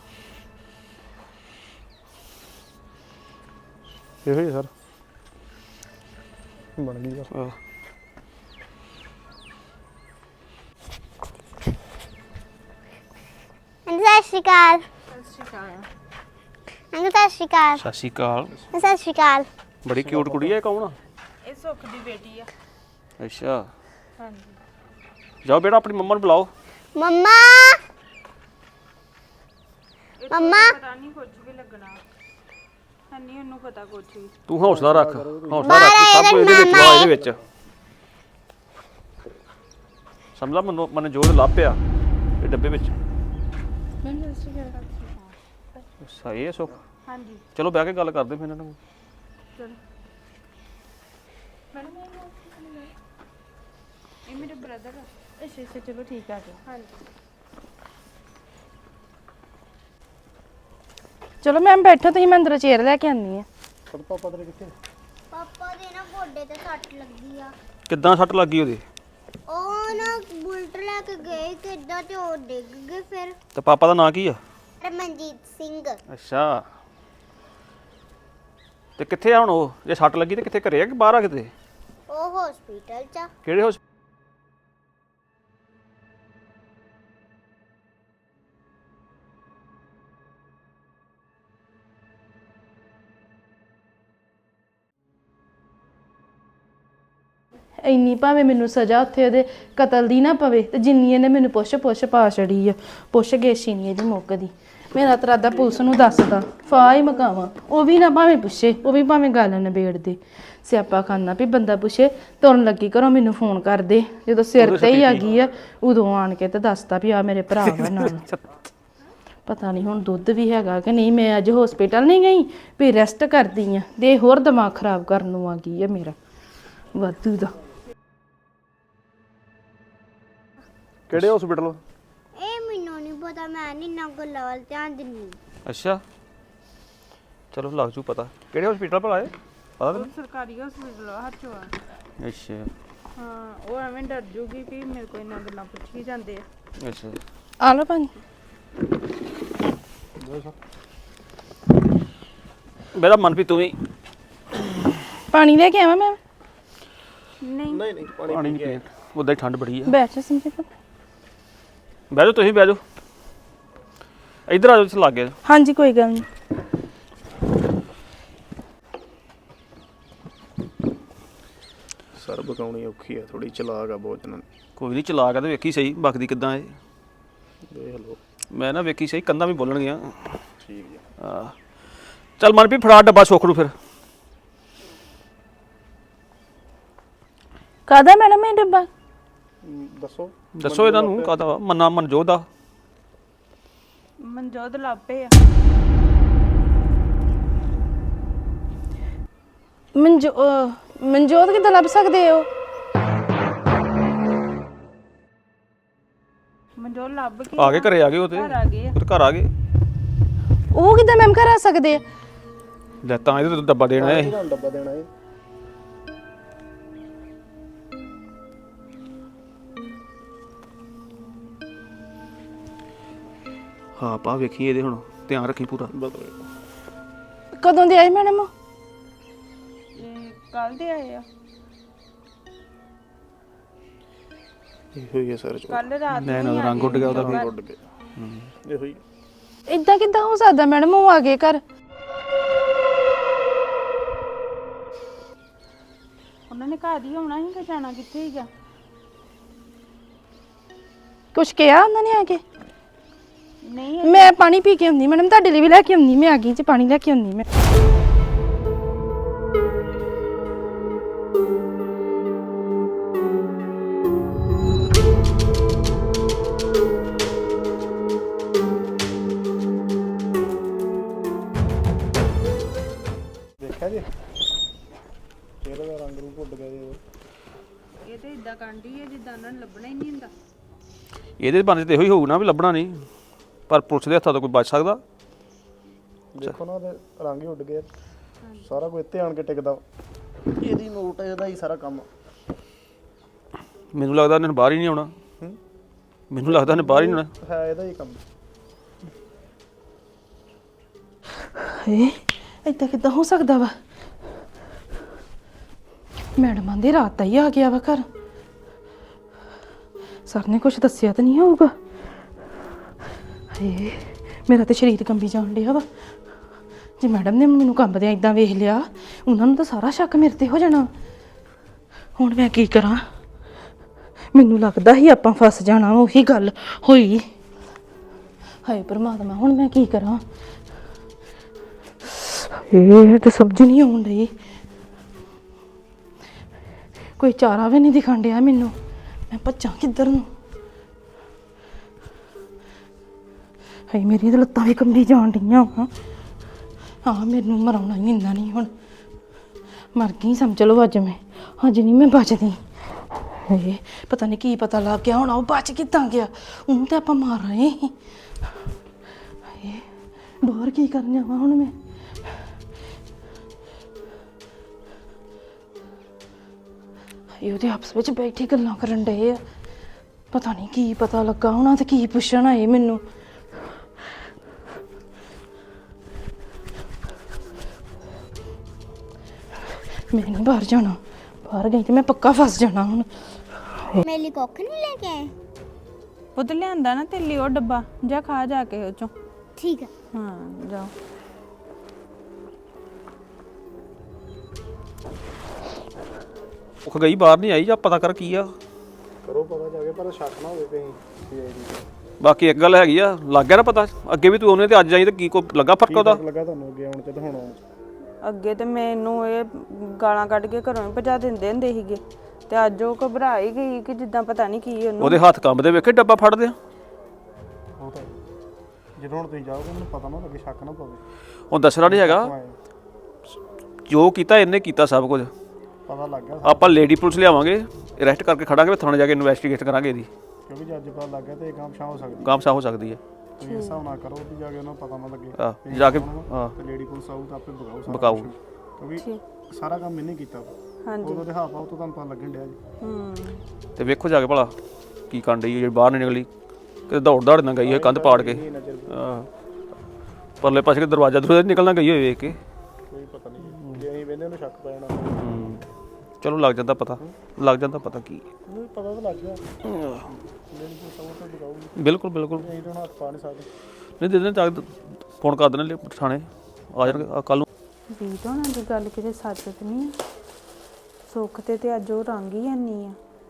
Speaker 7: ਇਹੋ ਹੀ ਹੈ ਸਰ, ਬਣ ਗਈ ਸਰ।
Speaker 6: ਆਹ,
Speaker 5: ਅੰਕਲ ਸਤਿ ਸ਼੍ਰੀ ਅਕਾਲ।
Speaker 2: ਸਤਿ ਸ਼੍ਰੀ ਅਕਾਲ।
Speaker 5: ਅੰਕਲ ਸਤਿ ਸ਼੍ਰੀ ਅਕਾਲ।
Speaker 6: ਸਤਿ ਸ਼੍ਰੀ ਅਕਾਲ।
Speaker 5: ਸਤਿ ਸ਼੍ਰੀ ਅਕਾਲ।
Speaker 6: ਬੜੀ ਕਿਊਟ ਕੁੜੀ ਹੈ, ਕੌਣ ਆ?
Speaker 2: ਇਹ ਸੁੱਖ ਦੀ ਬੇਟੀ ਆ।
Speaker 6: ਅੱਛਾ
Speaker 2: ਹਾਂਜੀ
Speaker 6: ਜਾਓ ਬੇਟਾ ਆਪਣੀ ਮੰਮਾ ਨੂੰ ਬੁਲਾਓ।
Speaker 5: ਮੰਮਾ ਮੰਮਾ
Speaker 2: ਪਤਾ ਨਹੀਂ ਕੁਝ ਵੀ ਲੱਗਣਾ, ਹੰਨੀ ਉਹਨੂੰ ਪਤਾ ਕੁਝ ਵੀ।
Speaker 6: ਤੂੰ ਹੌਸਲਾ ਰੱਖ, ਹੌਸਲਾ ਰੱਖ, ਸਭ ਕੁਝ ਇਹਦੇ ਵਿੱਚ ਵਾ, ਇਹਦੇ ਵਿੱਚ ਸਮਝਾ। ਮਨ ਮਨ ਜੋੜ ਲੱਭ ਪਿਆ ਇਹ ਡੱਬੇ ਵਿੱਚ। ਸਹੀ ਹੈ ਸੁੱਖ।
Speaker 2: ਹਾਂਜੀ
Speaker 6: ਚਲੋ ਬਹਿ ਕੇ ਗੱਲ ਕਰਦੇ ਫਿਰ ਇਹਨਾਂ ਨੂੰ।
Speaker 2: ਚਲੋ ਮੈਡਮ ਇਹ ਮੇਰੇ ਬ੍ਰਦਰ ਆ।
Speaker 4: ਅੱਛਾ ਅੱਛਾ ਚਲੋ ਠੀਕ ਆ ਜੀ।
Speaker 2: ਹਾਂਜੀ
Speaker 4: ਚਲੋ ਮੈਮ ਬੈਠੋ ਤੁਸੀਂ, ਮੈਂ ਅੰਦਰੋਂ ਚੇਅਰ ਲੈ ਕੇ ਆਉਂਦੀ ਆ।
Speaker 7: ਪਾਪਾ ਤੇਰੇ ਕਿੱਥੇ?
Speaker 5: ਪਾਪਾ ਦੇ ਨਾ ਗੋਡੇ ਤੇ ਸੱਟ ਲੱਗੀ ਆ।
Speaker 6: ਕਿੱਦਾਂ ਸੱਟ ਲੱਗੀ ਉਹਦੀ?
Speaker 5: ਉਹ ਲੈ ਕੇ ਗਏ ਕਿੱਦਾਂ ਤੇ ਉਹ ਡਿੱਗ ਗਏ ਫਿਰ
Speaker 6: ਤੇ ਪਾਪਾ ਦਾ ਨਾਂ ਕੀ ਆ?
Speaker 5: ਰਮਨਜੀਤ ਸਿੰਘ
Speaker 6: ਅੱਛਾ ਤੇ ਕਿੱਥੇ ਆ ਹੁਣ ਉਹ? ਜੇ ਸੱਟ ਲੱਗੀ ਤੇ ਕਿੱਥੇ, ਘਰੇ ਆ ਕਿ ਬਾਹਰ ਆ ਕਿਤੇ?
Speaker 5: ਉਹ ਹਸਪੀਟਲ ਚ ਆ।
Speaker 6: ਕਿਹੜੇ ਹਸਪਤਾਲ?
Speaker 4: ਇੰਨੀ ਭਾਵੇਂ ਮੈਨੂੰ ਸਜ਼ਾ ਉੱਥੇ ਉਹਦੇ ਕਤਲ ਦੀ ਨਾ ਪਵੇ ਤੇ ਜਿੰਨੀ ਇਹਨੇ ਮੈਨੂੰ ਪੁੱਛ ਪੁੱਛ ਪਾ ਛੜੀ ਆ, ਪੁੱਛ ਗੇਸ਼ੀ ਨਹੀਂ ਇਹਦੀ ਮੁੱਕਦੀ। ਮੇਰਾ ਤਾਂ ਇਰਾਦਾ ਪੁਲਿਸ ਨੂੰ ਦੱਸਦਾ, ਫਾਹ ਹੀ ਮਕਾਵਾਂ, ਉਹ ਵੀ ਨਾ ਭਾਵੇਂ ਪੁੱਛੇ, ਉਹ ਵੀ ਭਾਵੇਂ ਗੱਲ ਨਿਬੇੜ ਦੇ। ਸਿਆਪਾ ਖਾਨਾ ਵੀ ਬੰਦਾ ਪੁੱਛੇ ਤੁਰਨ ਲੱਗੀ ਘਰੋਂ ਮੈਨੂੰ ਫੋਨ ਕਰ ਦੇ, ਜਦੋਂ ਸਿਰ ਤੇ ਹੀ ਆ ਗਈ ਆ ਉਦੋਂ ਆਣ ਕੇ ਤੇ ਦੱਸਦਾ ਵੀ ਆ ਮੇਰੇ ਭਰਾ ਵਾ ਨਾਲ। ਪਤਾ ਨਹੀਂ ਹੁਣ ਦੁੱਧ ਵੀ ਹੈਗਾ ਕਿ ਨਹੀਂ। ਮੈਂ ਅੱਜ ਹਸਪੀਟਲ ਨਹੀਂ ਗਈ ਵੀ ਰੈਸਟ ਕਰਦੀ ਆ, ਦੇ ਹੋਰ ਦਿਮਾਗ ਖਰਾਬ ਕਰਨ ਨੂੰ ਆ ਗਈ ਆ ਮੇਰਾ ਵਾਧੂ ਦਾ।
Speaker 6: ਕਿਹੜੇ ਹਸਪੀਟਲ?
Speaker 5: ਇਹ ਮੈਨੂੰ ਨਹੀਂ ਪਤਾ, ਮੈਂ ਨਹੀਂ ਨਾ ਗੱਲਾਂ ਵੱਲ ਧਿਆਨ ਦਿੰਦੀ।
Speaker 6: ਅੱਛਾ ਚਲੋ ਲੱਗ ਜੂ ਪਤਾ। ਕਿਹੜੇ ਹਸਪੀਟਲ ਭਲਾ ਇਹ ਪਤਾ ਤੈਨੂੰ?
Speaker 2: ਸਰਕਾਰੀ ਹਸਪੀਟਲ ਆ ਹਰਚੋਆ।
Speaker 6: ਅੱਛਾ
Speaker 2: ਹਾਂ ਉਹ ਐਵੇਂ ਡਰ ਜੂਗੀ ਕਿ ਮੇਰੇ ਕੋਲ ਇੰਨਾ ਗੱਲਾਂ ਪੁੱਛੀ ਜਾਂਦੇ ਆ।
Speaker 6: ਅੱਛਾ
Speaker 4: ਆ ਲਓ ਭਾਜੀ
Speaker 6: ਮੇਰਾ ਮਨ ਵੀ ਤੂੰ ਵੀ
Speaker 4: ਪਾਣੀ ਲੈ ਕੇ ਆਵਾਂ ਮੈਂ?
Speaker 2: ਨਹੀਂ
Speaker 7: ਨਹੀਂ ਨਹੀਂ ਪਾਣੀ
Speaker 6: ਪਾਣੀ ਨਹੀਂ ਉਦਾਂ ਹੀ ਠੰਡ ਬੜੀ ਆ।
Speaker 4: ਬੈਠ ਜਾ ਸੰਜੀਤ।
Speaker 6: ਬਹਿ ਜਾਓ ਤੁਸੀਂ ਬਹਿ ਜਾਓ, ਇੱਧਰ ਆ ਜਾਓ, ਇੱਥੇ ਲੱਗ ਗਿਆ।
Speaker 4: ਹਾਂਜੀ ਕੋਈ ਗੱਲ ਨਹੀਂ।
Speaker 7: ਸਰ ਬਕਾਉਣੀ ਔਖੀ ਆ, ਥੋੜੀ ਚਲਾਕ ਆ ਬਹੁਤ ਜਨਾਂ
Speaker 6: ਕੋਈ ਨਹੀਂ ਚਲਾ ਕੇ ਤੇ ਵੇਖੀ ਸਹੀ ਬਕਦੀ ਕਿੱਦਾਂ ਇਹ।
Speaker 7: ਦੇਖ ਲਓ।
Speaker 6: ਮੈਂ ਨਾ ਵੇਖੀ ਸਹੀ ਕੰਧਾਂ ਵੀ ਬੋਲਣਗੀਆਂ।
Speaker 7: ਠੀਕ ਜੀ।
Speaker 6: ਆ ਚੱਲ ਮਨਪ੍ਰੀਤ ਫੜਾ ਡੱਬਾ ਸੁੱਖ ਨੂੰ ਫਿਰ।
Speaker 4: ਕਾਹਦਾ ਮੈਡਮ ਇਹ ਡੱਬਾ?
Speaker 7: ਦੱਸੋ
Speaker 6: ਦੱਸੋ ਇਹਨਾਂ ਨੂੰ ਕਾਹਦਾ ਵਾ? ਮੰਨਾ ਮਨਜੋਤ ਦਾ।
Speaker 2: ਮਨਜੋਤ ਲਾਪੇ ਆ।
Speaker 4: ਮਨਜੋ ਅਹ ਮਨਜੋਤ ਕਿੱਦਾਂ ਲੱਭ ਸਕਦੇ ਹੋ?
Speaker 2: ਮਨਜੋਤ ਲੱਭ ਕੇ
Speaker 6: ਆ ਗਏ ਘਰੇ ਆ ਗਏ ਉਹ ਤੇ
Speaker 2: ਘਰ ਆ ਗਏ ਆ।
Speaker 6: ਫਿਰ ਘਰ ਆ ਗਏ।
Speaker 4: ਉਹ ਕਿੱਦਾਂ ਮੈਮ ਘਰ ਆ ਸਕਦੇ ਆ?
Speaker 6: ਲੈ ਤਾਂ ਇਹਦੇ ਤੋਂ ਡੱਬਾ ਦੇਣਾ ਇਹ।
Speaker 7: ਤੁਹਾਨੂੰ ਡੱਬਾ ਦੇਣਾ ਹੈ।
Speaker 6: ਹਾਂ ਪਾ ਵੇਖੀ ਇਹਦੇ ਹੁਣ ਧਿਆਨ ਰੱਖੀ ਪੂਰਾ।
Speaker 7: ਬਦਲ
Speaker 4: ਕਦੋਂ ਦੇ ਆਏ ਮੈਡਮ?
Speaker 2: ਇਹ ਕੱਲ ਦੇ ਆਏ ਆ।
Speaker 7: ਇਹੋ ਹੀ ਹੈ ਸਰ ਜੋ
Speaker 2: ਕੱਲ ਰਾਤ ਨੂੰ
Speaker 6: ਨੈਣ
Speaker 2: ਹੀ
Speaker 6: ਦਾ
Speaker 2: ਆ
Speaker 6: ਰੰਗ ਉੱਡ ਗਿਆ ਉਹਦਾ ਵੀ।
Speaker 7: ਉੱਡ ਗਿਆ। ਇਹੋ ਹੀ
Speaker 4: ਇਦਾਂ ਕਿੱਦਾਂ ਹੋ ਸਕਦਾ ਮੈਡਮ? ਉਹ ਆ ਗਏ ਘਰ।
Speaker 2: ਉਹਨਾਂ ਨੇ ਘਰ ਹੀ ਆਉਣਾ ਸੀ ਕਿ ਜਾਣਾ ਕਿੱਥੇ ਸੀਗਾ?
Speaker 4: ਕੁਛ ਕਿਹਾ ਉਹਨਾਂ ਨੇ ਆ ਕੇ?
Speaker 2: ਨਹੀਂ
Speaker 4: ਮੈਂ ਪਾਣੀ ਪੀ ਕੇ ਆਉਂਦੀ ਮੈਡਮ, ਤੁਹਾਡੇ ਲਈ ਵੀ ਲੈ ਕੇ ਆਉਂਦੀ। ਮੈਂ ਆ ਗਈ ਚ ਪਾਣੀ ਲੈ ਕੇ ਆਉਂਦੀ ਮੈਂ।
Speaker 7: ਦੇਖਿਆ ਜੀ ਚਿਹਰੇ ਦਾ ਰੰਗ ਰੂਪ ਉੱਡ ਗਿਆ ਜੀ।
Speaker 2: ਇਹ ਤੇ ਇਦਾਂ ਕਾਂਢੀ ਹੈ ਜਿੱਦਾਂ ਉਹਨਾਂ ਨੂੰ ਲੱਭਣਾ ਹੀ ਨਹੀਂ ਹੁੰਦਾ।
Speaker 6: ਇਹਦੇ ਬੰਦੇ ਤੇ ਇਹੋ ਹੀ ਹੋਊ ਨਾ ਵੀ ਲੱਭਣਾ ਨਹੀਂ, ਪਰ ਪੁਲਿਸ ਦੇ ਹੱਥਾਂ ਤੋਂ ਕੋਈ ਬਚ ਸਕਦਾ?
Speaker 7: ਦੇਖੋ ਨਾ ਉਹਦੇ ਰੰਗ ਹੀ ਉੱਡ ਗਿਆ। ਸਾਰਾ ਕੁਝ ਇੱਥੇ ਆਣ ਕੇ ਟਿਕਦਾ। ਇਹਦੀ ਨੋਟ ਇਹਦਾ ਹੀ ਸਾਰਾ ਕੰਮ।
Speaker 6: ਮੈਨੂੰ ਲੱਗਦਾ ਇਹਨੇ ਬਾਹਰ ਹੀ ਨਹੀਂ ਆਉਣਾ।
Speaker 7: ਹੂੰ
Speaker 6: ਮੈਨੂੰ ਲੱਗਦਾ ਇਹਨੇ ਬਾਹਰ ਹੀ ਨਹੀਂ ਆਉਣਾ।
Speaker 7: ਹੈ ਇਹਦਾ ਹੀ ਕੰਮ।
Speaker 4: ਏ ਏਦਾਂ ਕਿੱਦਾਂ ਹੋ ਸਕਦਾ ਵਾ? ਮੈਡਮਾਂ ਦੇ ਰਾਤ ਦਾ ਹੀ ਆ ਗਿਆ ਵਾ ਘਰ। ਸਰ ਨੇ ਕੁਝ ਦੱਸਿਆ ਤਾਂ ਨਹੀਂ ਹੋਊਗਾ? ਏ ਮੇਰਾ ਤੇ ਸਰੀਰ ਕੰਬੀ ਜਾਣ ਡਿਆ ਵਾ। ਜੇ ਮੈਡਮ ਨੇ ਮੈਨੂੰ ਕੰਬਦਿਆਂ ਇਦਾਂ ਵੇਖ ਲਿਆ, ਉਹਨਾਂ ਨੂੰ ਤਾਂ ਸਾਰਾ ਸ਼ੱਕ ਮੇਰੇ ਤੇ ਹੋ ਜਾਣਾ। ਹੁਣ ਮੈਂ ਕੀ ਕਰਾਂ? ਮੈਨੂੰ ਲੱਗਦਾ ਸੀ ਆਪਾਂ ਫਸ ਜਾਣਾ, ਉਹੀ ਗੱਲ ਹੋਈ। ਹਾਏ ਪਰਮਾਤਮਾ, ਹੁਣ ਮੈਂ ਕੀ ਕਰਾਂ? ਇਹ ਤੇ ਸਮਝ ਨਹੀਂ ਆਉਣ ਡਈ। ਕੋਈ ਚਾਰਾ ਵੀ ਨਹੀਂ ਦਿਖਣ ਡਿਆ ਮੈਨੂੰ। ਮੈਂ ਭੱਜਾਂ ਕਿੱਧਰ ਨੂੰ? ਹਾਏ ਮੇਰੀਆਂ ਤਾਂ ਲੱਤਾਂ ਵੀ ਕੰਬੀ ਜਾਣ ਡਈਆਂ ਵਾ। ਹਾਂ ਮੈਨੂੰ ਮਰਾਉਣਾ ਹੀ ਇੰਨਾ ਨਹੀਂ, ਹੁਣ ਮਰ ਗਈ ਸਮਝ ਲਓ ਅੱਜ ਮੈਂ। ਅੱਜ ਨਹੀਂ ਮੈਂ ਬਚਦੀ। ਹਾਏ ਪਤਾ ਨਹੀਂ ਕੀ ਪਤਾ ਲੱਗ ਗਿਆ ਹੁਣ ਉਹ ਬਚ ਕਿੱਦਾਂ ਗਿਆ? ਉਹਨੂੰ ਤਾਂ ਆਪਾਂ ਮਾਰ ਰਹੇ ਸੀ। ਹਾਏ ਬਾਹਰ ਕੀ ਕਰਨ ਜਾਵਾਂ ਹੁਣ ਮੈਂ? ਇਹ ਉਹਦੇ ਆਪਸ ਵਿੱਚ ਬੈਠੀ ਗੱਲਾਂ ਕਰਨ ਡਏ ਆ। ਪਤਾ ਨਹੀਂ ਕੀ ਪਤਾ ਲੱਗਾ ਹੋਣਾ ਤੇ ਕੀ ਪੁੱਛਣ ਆਏ ਮੈਨੂੰ। ਮੈਂ ਨਹੀਂ ਬਾਹਰ ਜਾਣਾ, ਬਾਹਰ ਗਈ ਤੇ ਮੈਂ ਪੱਕਾ ਫਸ ਜਾਣਾ ਹੁਣ।
Speaker 5: ਮੇਰੇ ਲਈ ਕੁੱਖ ਨਹੀਂ ਲੈ ਕੇ ਆਏ?
Speaker 2: ਉਹ ਤੇ ਲਿਆਂਦਾ ਨਾ ਤੇਲੀ ਉਹ ਡੱਬਾ, ਜਾ ਖਾ ਜਾ ਕੇ ਉਹ ਚੋਂ।
Speaker 5: ਠੀਕ ਹੈ।
Speaker 2: ਹਾਂ ਜਾਓ।
Speaker 6: ਉਹ ਗਈ ਬਾਹਰ ਨਹੀਂ ਆਈ, ਜਾਂ ਪਤਾ ਕਰ ਕੀ ਆ।
Speaker 7: ਕਰੋ ਪਤਾ ਜਾ ਕੇ, ਪਰ ਸ਼ੱਕ ਨਾ ਹੋਵੇ ਕਹੀਂ ਸੀ ਆਈ ਦੀ।
Speaker 6: ਬਾਕੀ ਇੱਕ ਗੱਲ ਹੈਗੀ ਆ, ਲੱਗ ਗਿਆ ਨਾ ਪਤਾ ਅੱਗੇ ਵੀ ਤੂੰ ਉਹਨੇ ਤੇ ਅੱਜ ਆਈ ਤੇ ਕੀ ਕੋ ਲੱਗਾ ਫਰਕ ਉਹਦਾ?
Speaker 7: ਲੱਗਾ ਤੁਹਾਨੂੰ ਅੱਗੇ ਆਉਣ ਚ ਤੇ ਹੁਣ ਆਉਣ ਚ?
Speaker 2: ਅੱਗੇ ਤੇ ਮੈਨੂੰ ਇਹ ਗਾਲਾਂ ਕੱਢ ਕੇ ਘਰੋਂ ਹੀ ਭਜਾ ਦਿੰਦੇ ਹੁੰਦੇ ਸੀਗੇ, ਤੇ ਅੱਜ ਉਹ ਘਬਰਾ ਹੀ ਗਈ ਕਿ ਜਿੱਦਾਂ ਪਤਾ ਨਹੀਂ ਕੀ ਉਹਨੂੰ।
Speaker 6: ਉਹਦੇ ਹੱਥ ਕੰਬਦੇ ਵੇਖੇ ਡੱਬਾ ਫੜਦੇ ਆ।
Speaker 7: ਉਹ ਤਾਂ ਜਦੋਂ ਹੁਣ ਤੁਸੀਂ ਜਾਓਗੇ ਮੈਨੂੰ ਪਤਾ ਨਾ ਲੱਗੇ, ਸ਼ੱਕ ਨਾ ਪਵੇ।
Speaker 6: ਉਹ ਦੱਸਣਾ ਨਹੀਂ ਹੈਗਾ, ਜੋ ਕੀਤਾ ਇਹਨੇ ਕੀਤਾ ਸਭ ਕੁਝ।
Speaker 7: ਪਤਾ ਲੱਗ ਗਿਆ
Speaker 6: ਆਪਾਂ ਲੇਡੀ ਪੁਲਿਸ ਲਿਆਵਾਂਗੇ, ਅਰੈਸਟ ਕਰਕੇ ਖੜਾਂਗੇ, ਥਾਣੇ ਜਾ ਕੇ ਇਨਵੈਸਟੀਗੇਟ ਕਰਾਂਗੇ ਇਹਦੀ।
Speaker 7: ਕਿਉਂਕਿ ਜੇ ਅੱਜ ਪਤਾ ਲੱਗ ਗਿਆ ਤੇ ਇਹ ਕੰਮ ਸ਼ਾਹ ਹੋ ਸਕਦੀ।
Speaker 6: ਗਾਮਸਾ ਹੋ ਸਕਦੀ ਹੈ।
Speaker 7: ਤੁਸੀਂ ਇਸ ਹਿਸਾਬ ਨਾਲ ਕਰੋ ਵੀ ਜਾ ਕੇ ਉਹਨਾਂ ਨੂੰ ਪਤਾ ਨਾ ਲੱਗੇ।
Speaker 6: ਆਹ ਜਾ ਕੇ ਹਾਂ
Speaker 7: ਤੇ ਲੇਡੀ ਪੁਲਿਸ ਆਊ ਤਾਂ ਆਪੇ ਬਗਾਊ ਸਾਰਾ
Speaker 6: ਬਕਾਊ।
Speaker 7: ਕੁਛ। ਕਿਉਂਕਿ ਸਾਰਾ ਕੰਮ ਇਹਨੇ ਕੀਤਾ।
Speaker 2: ਹਾਂਜੀ
Speaker 7: ਉਦੋਂ ਦੇ ਹਾਫ ਆਉ ਤੋਂ ਤੁਹਾਨੂੰ ਪਤਾ ਲੱਗਣ ਡਿਆ ਜੀ।
Speaker 2: ਹੂੰ
Speaker 6: ਤੇ ਵੇਖੋ ਜਾ ਕੇ ਭਲਾ ਕੀ ਕਰਨ ਡਈ ਜਿਹੜੀ ਬਾਹਰ ਨਹੀਂ ਨਿਕਲੀ, ਕਿਤੇ ਦੌੜ ਦੌੜ ਨਾ ਗਈ ਹੈ ਕੰਧ ਪਾੜ ਕੇ। ਹਾਂ ਪਰਲੇ ਪਾਸੇ ਕਿ ਦਰਵਾਜ਼ਾ ਦਰਵਾਜ਼ਾ ਨਿਕਲਣਾ ਗਈ ਹੋਏ ਵੇਖ ਕੇ।
Speaker 7: ਕੋਈ ਪਤਾ ਨਹੀਂ ਜੇ ਅਸੀਂ ਵੇਨੇ ਉਹਨੂੰ ਸ਼ੱਕ ਪੈ ਜਾਣਾ।
Speaker 6: ਹੂੰ ਚਲੋ ਲੱਗ ਜਾਂਦਾ ਪਤਾ, ਲੱਗ ਜਾਂਦਾ ਪਤਾ ਕੀ
Speaker 7: ਨਹੀਂ ਪਤਾ ਤਾਂ ਲੱਗ ਗਿਆ। ਲੇਡੀ ਪੁਲਿਸ ਆਊ ਤਾਂ ਬਗਾਊ।
Speaker 6: ਬਿਲਕੁਲ ਬਿਲਕੁਲ।
Speaker 7: ਅਸੀਂ ਤਾਂ ਹੁਣ ਹੱਥ ਪਾ ਨਹੀਂ ਸਕਦੇ।
Speaker 6: ਨਹੀਂ ਦੇ ਦੇਣ ਚੱਕ ਫੋਨ ਕਰ ਦੇਣੇ ਥਾਣੇ ਆ ਜਾਣਗੇ ਕੱਲ ਨੂੰ।
Speaker 2: ਵੀਰ ਹੋਣਾ ਦੀ ਗੱਲ ਕਿਤੇ ਸੱਚ ਤੇ ਨਹੀਂ ਆ। ਸੁੱਖ ਤੇ ਤੇ ਅੱਜ ਉਹ ਰੰਗ ਹੀ ਹੈਨੀ ਆ।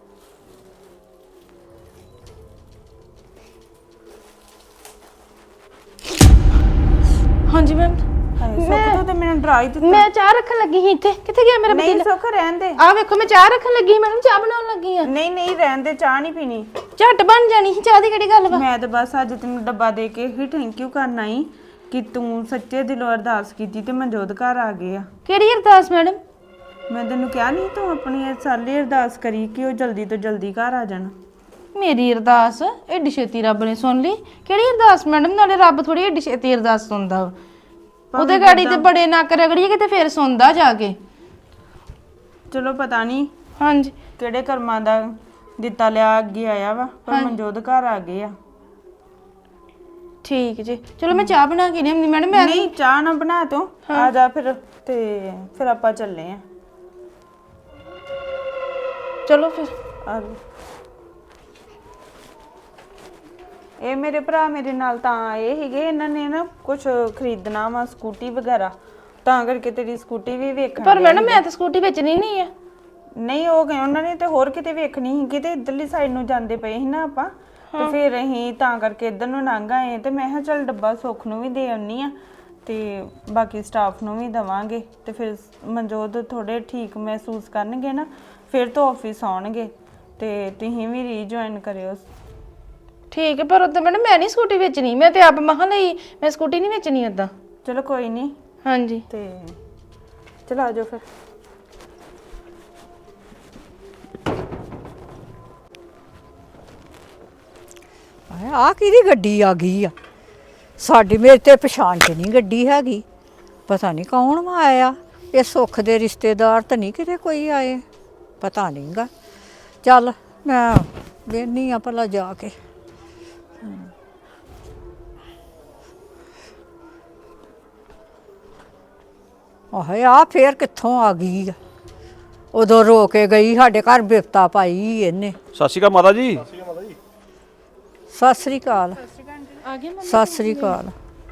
Speaker 4: ਹਾਂਜੀ ਮੈਮ।
Speaker 2: ਹਾਏ ਸੁੱਖ ਤੋਂ ਤੇ ਮੈਨੂੰ ਡਰਾ ਹੀ ਦਿੱਤਾ।
Speaker 4: ਮੈਂ ਚਾਹ ਰੱਖਣ ਲੱਗੀ ਸੀ ਇੱਥੇ। ਕਿੱਥੇ ਗਿਆ ਮੇਰਾ
Speaker 2: ਨਹੀਂ
Speaker 4: ਪਤੀਲਾ?
Speaker 2: ਸੁੱਖ ਰਹਿਣ ਦੇ।
Speaker 4: ਆ ਵੇਖੋ ਮੈਂ ਚਾਹ ਰੱਖਣ ਲੱਗੀ ਸੀ ਮੈਡਮ, ਚਾਹ ਬਣਾਉਣ ਲੱਗੀ ਆ।
Speaker 2: ਨਹੀਂ ਨਹੀਂ ਰਹਿਣ ਦੇ, ਚਾਹ ਨਹੀਂ ਪੀਣੀ।
Speaker 4: ਝੱਟ ਬਣ ਜਾਣੀ ਸੀ ਚਾਹ ਦੀ, ਕਿਹੜੀ ਗੱਲ ਵਾ?
Speaker 2: ਮੈਂ ਤਾਂ ਬਸ ਅੱਜ ਤੈਨੂੰ ਡੱਬਾ ਦੇ ਕੇ ਹੀ ਥੈਂਕ ਯੂ ਕਰਨਾ ਹੀ ਕਿ ਤੂੰ ਸੱਚੇ ਦਿਲੋਂ ਅਰਦਾਸ ਕੀਤੀ ਤੇ ਮਨਜੋਤ ਘਰ ਆ ਗਏ ਆ।
Speaker 4: ਕਿਹੜੀ ਅਰਦਾਸ ਮੈਡਮ?
Speaker 2: ਮੈਂ ਤੈਨੂੰ ਕਿਹਾ ਨਹੀਂ ਤੂੰ ਆਪਣੀ ਇਹ ਸਾਰੀ ਅਰਦਾਸ ਕਰੀ ਕਿ ਉਹ ਜਲਦੀ ਤੋਂ ਜਲਦੀ ਘਰ ਆ ਜਾਣ।
Speaker 4: ਮੇਰੀ ਅਰਦਾਸ ਏਡੀ ਛੇਤੀ ਰੱਬ ਨੇ ਸੁਣ ਲਈ? ਕਿਹੜੀ ਅਰਦਾਸ ਮੈਡਮ? ਨਾਲੇ ਰੱਬ ਥੋੜੀ ਏਡੀ ਛੇਤੀ ਅਰਦਾਸ ਸੁਣਦਾ ਵਾ। ਉਹਦੇ ਗਾੜੀ ਤੇ ਬੜੇ ਨੱਕ ਰਗੜੀਏ ਕਿਤੇ ਫੇਰ ਸੁਣਦਾ ਜਾ ਕੇ।
Speaker 2: ਚਲੋ ਪਤਾ ਨਹੀਂ
Speaker 4: ਹਾਂਜੀ
Speaker 2: ਕਿਹੜੇ ਕਰਮਾਂ ਦਾ ਦਿੱਤਾ ਲਿਆ ਅੱਗੇ ਆਇਆ ਵਾ, ਪਰ ਮਨਜੋਤ ਘਰ ਆ ਗਏ ਆ।
Speaker 4: ਠੀਕ ਜੀ, ਚਲੋ ਮੈਂ ਚਾਹ ਬਣਾ ਕੇ ਲਿਆਉਂਦੀ ਮੈਡਮ। ਮੈਂ
Speaker 2: ਨਹੀਂ ਚਾਹ ਨਾ ਬਣਾ ਤੂੰ, ਆ ਜਾ ਫਿਰ ਤੇ ਫਿਰ ਆਪਾਂ ਚੱਲੇ ਆ।
Speaker 4: ਚਲੋ ਫਿਰ।
Speaker 2: ਆ ਜਾ। ਇਹ ਮੇਰੇ ਭਰਾ ਮੇਰੇ ਨਾਲ ਤਾਂ ਆਏ ਸੀਗੇ, ਇਹਨਾਂ ਨੇ ਨਾ ਕੁਝ ਖਰੀਦਣਾ ਵਾ ਸਕੂਟੀ ਵਗੈਰਾ, ਤਾਂ ਕਰਕੇ ਤੇਰੀ ਸਕੂਟੀ ਵੀ ਵੇਖਣ।
Speaker 4: ਪਰ ਮੈਡਮ ਮੈਂ ਤਾਂ ਸਕੂਟੀ ਵੇਚਣੀ ਨਹੀਂ ਆ।
Speaker 2: ਨਹੀਂ ਉਹ ਗਏ ਉਹਨਾਂ ਨੇ ਤੇ ਹੋਰ ਕਿਤੇ ਵੇਖਣੀ ਸੀ, ਕਿਤੇ ਇੱਧਰਲੀ ਸਾਈਡ ਨੂੰ ਜਾਂਦੇ ਪਏ ਸੀ ਨਾ ਆਪਾਂ, ਤੇ ਫਿਰ ਅਸੀਂ ਤਾਂ ਕਰਕੇ ਇੱਧਰ ਨੂੰ ਲੰਘ ਆਏ। ਤੇ ਮੈਂ ਕਿਹਾ ਚੱਲ ਡੱਬਾ ਸੁੱਖ ਨੂੰ ਵੀ ਦੇ ਆਉਣੀ ਆ ਤੇ ਬਾਕੀ ਸਟਾਫ ਨੂੰ ਵੀ ਦਵਾਂਗੇ, ਤੇ ਫਿਰ ਮਨਜੋਤ ਥੋੜੇ ਠੀਕ ਮਹਿਸੂਸ ਕਰਨਗੇ ਨਾ, ਫਿਰ ਤੋਂ ਆਫਿਸ ਆਉਣਗੇ ਤੇ ਤੁਸੀਂ ਵੀ ਰੀਜੁਆਇਨ ਕਰਿਓ।
Speaker 4: ਠੀਕ ਹੈ, ਪਰ ਉਦੋਂ ਮੈਡਮ ਮੈਂ ਨਹੀਂ ਸਕੂਟੀ ਵੇਚਣੀ, ਮੈਂ ਤੇ ਆਪ ਮਹਾਂ ਲਈ, ਮੈਂ ਸਕੂਟੀ ਨਹੀਂ ਵੇਚਣੀ ਉਦਾਂ।
Speaker 2: ਚਲੋ ਕੋਈ ਨਹੀਂ।
Speaker 4: ਹਾਂਜੀ
Speaker 2: ਤੇ ਚਲ ਆ ਜਾਓ ਫਿਰ।
Speaker 8: ਆ ਕਿਹਦੀ ਗੱਡੀ ਆ ਗਈ ਆ? ਸਾਡੀ ਮੇਰੇ ਤੇ ਪਛਾਣ ਚ ਨਹੀਂ ਗੱਡੀ ਹੈਗੀ, ਪਤਾ ਨਹੀਂ ਕੌਣ ਆਇਆ। ਇਹ ਸੁੱਖ ਦੇ ਰਿਸ਼ਤੇਦਾਰ ਤਾਂ ਨਹੀਂ ਕਿਤੇ ਕੋਈ ਆਏ, ਪਤਾ ਨਹੀਂਗਾ। ਚੱਲ ਮੈਂ ਵੇਖਦੀ ਆ ਭਲਾ ਜਾ ਕੇ। ਆਹੇ ਆ ਫੇਰ ਕਿੱਥੋਂ ਆ ਗਈ ਆ? ਉਦੋਂ ਰੋ ਕੇ ਗਈ, ਸਾਡੇ ਘਰ ਬਿਪਤਾ ਪਾਈ ਇਹਨੇ।
Speaker 6: ਸਤਿ ਸ਼੍ਰੀ ਅਕਾਲ ਮਾਤਾ ਜੀ।
Speaker 8: ਸਤਿ ਸ੍ਰੀ ਅਕਾਲ। ਸਤਿ ਸ੍ਰੀ ਅਕਾਲ।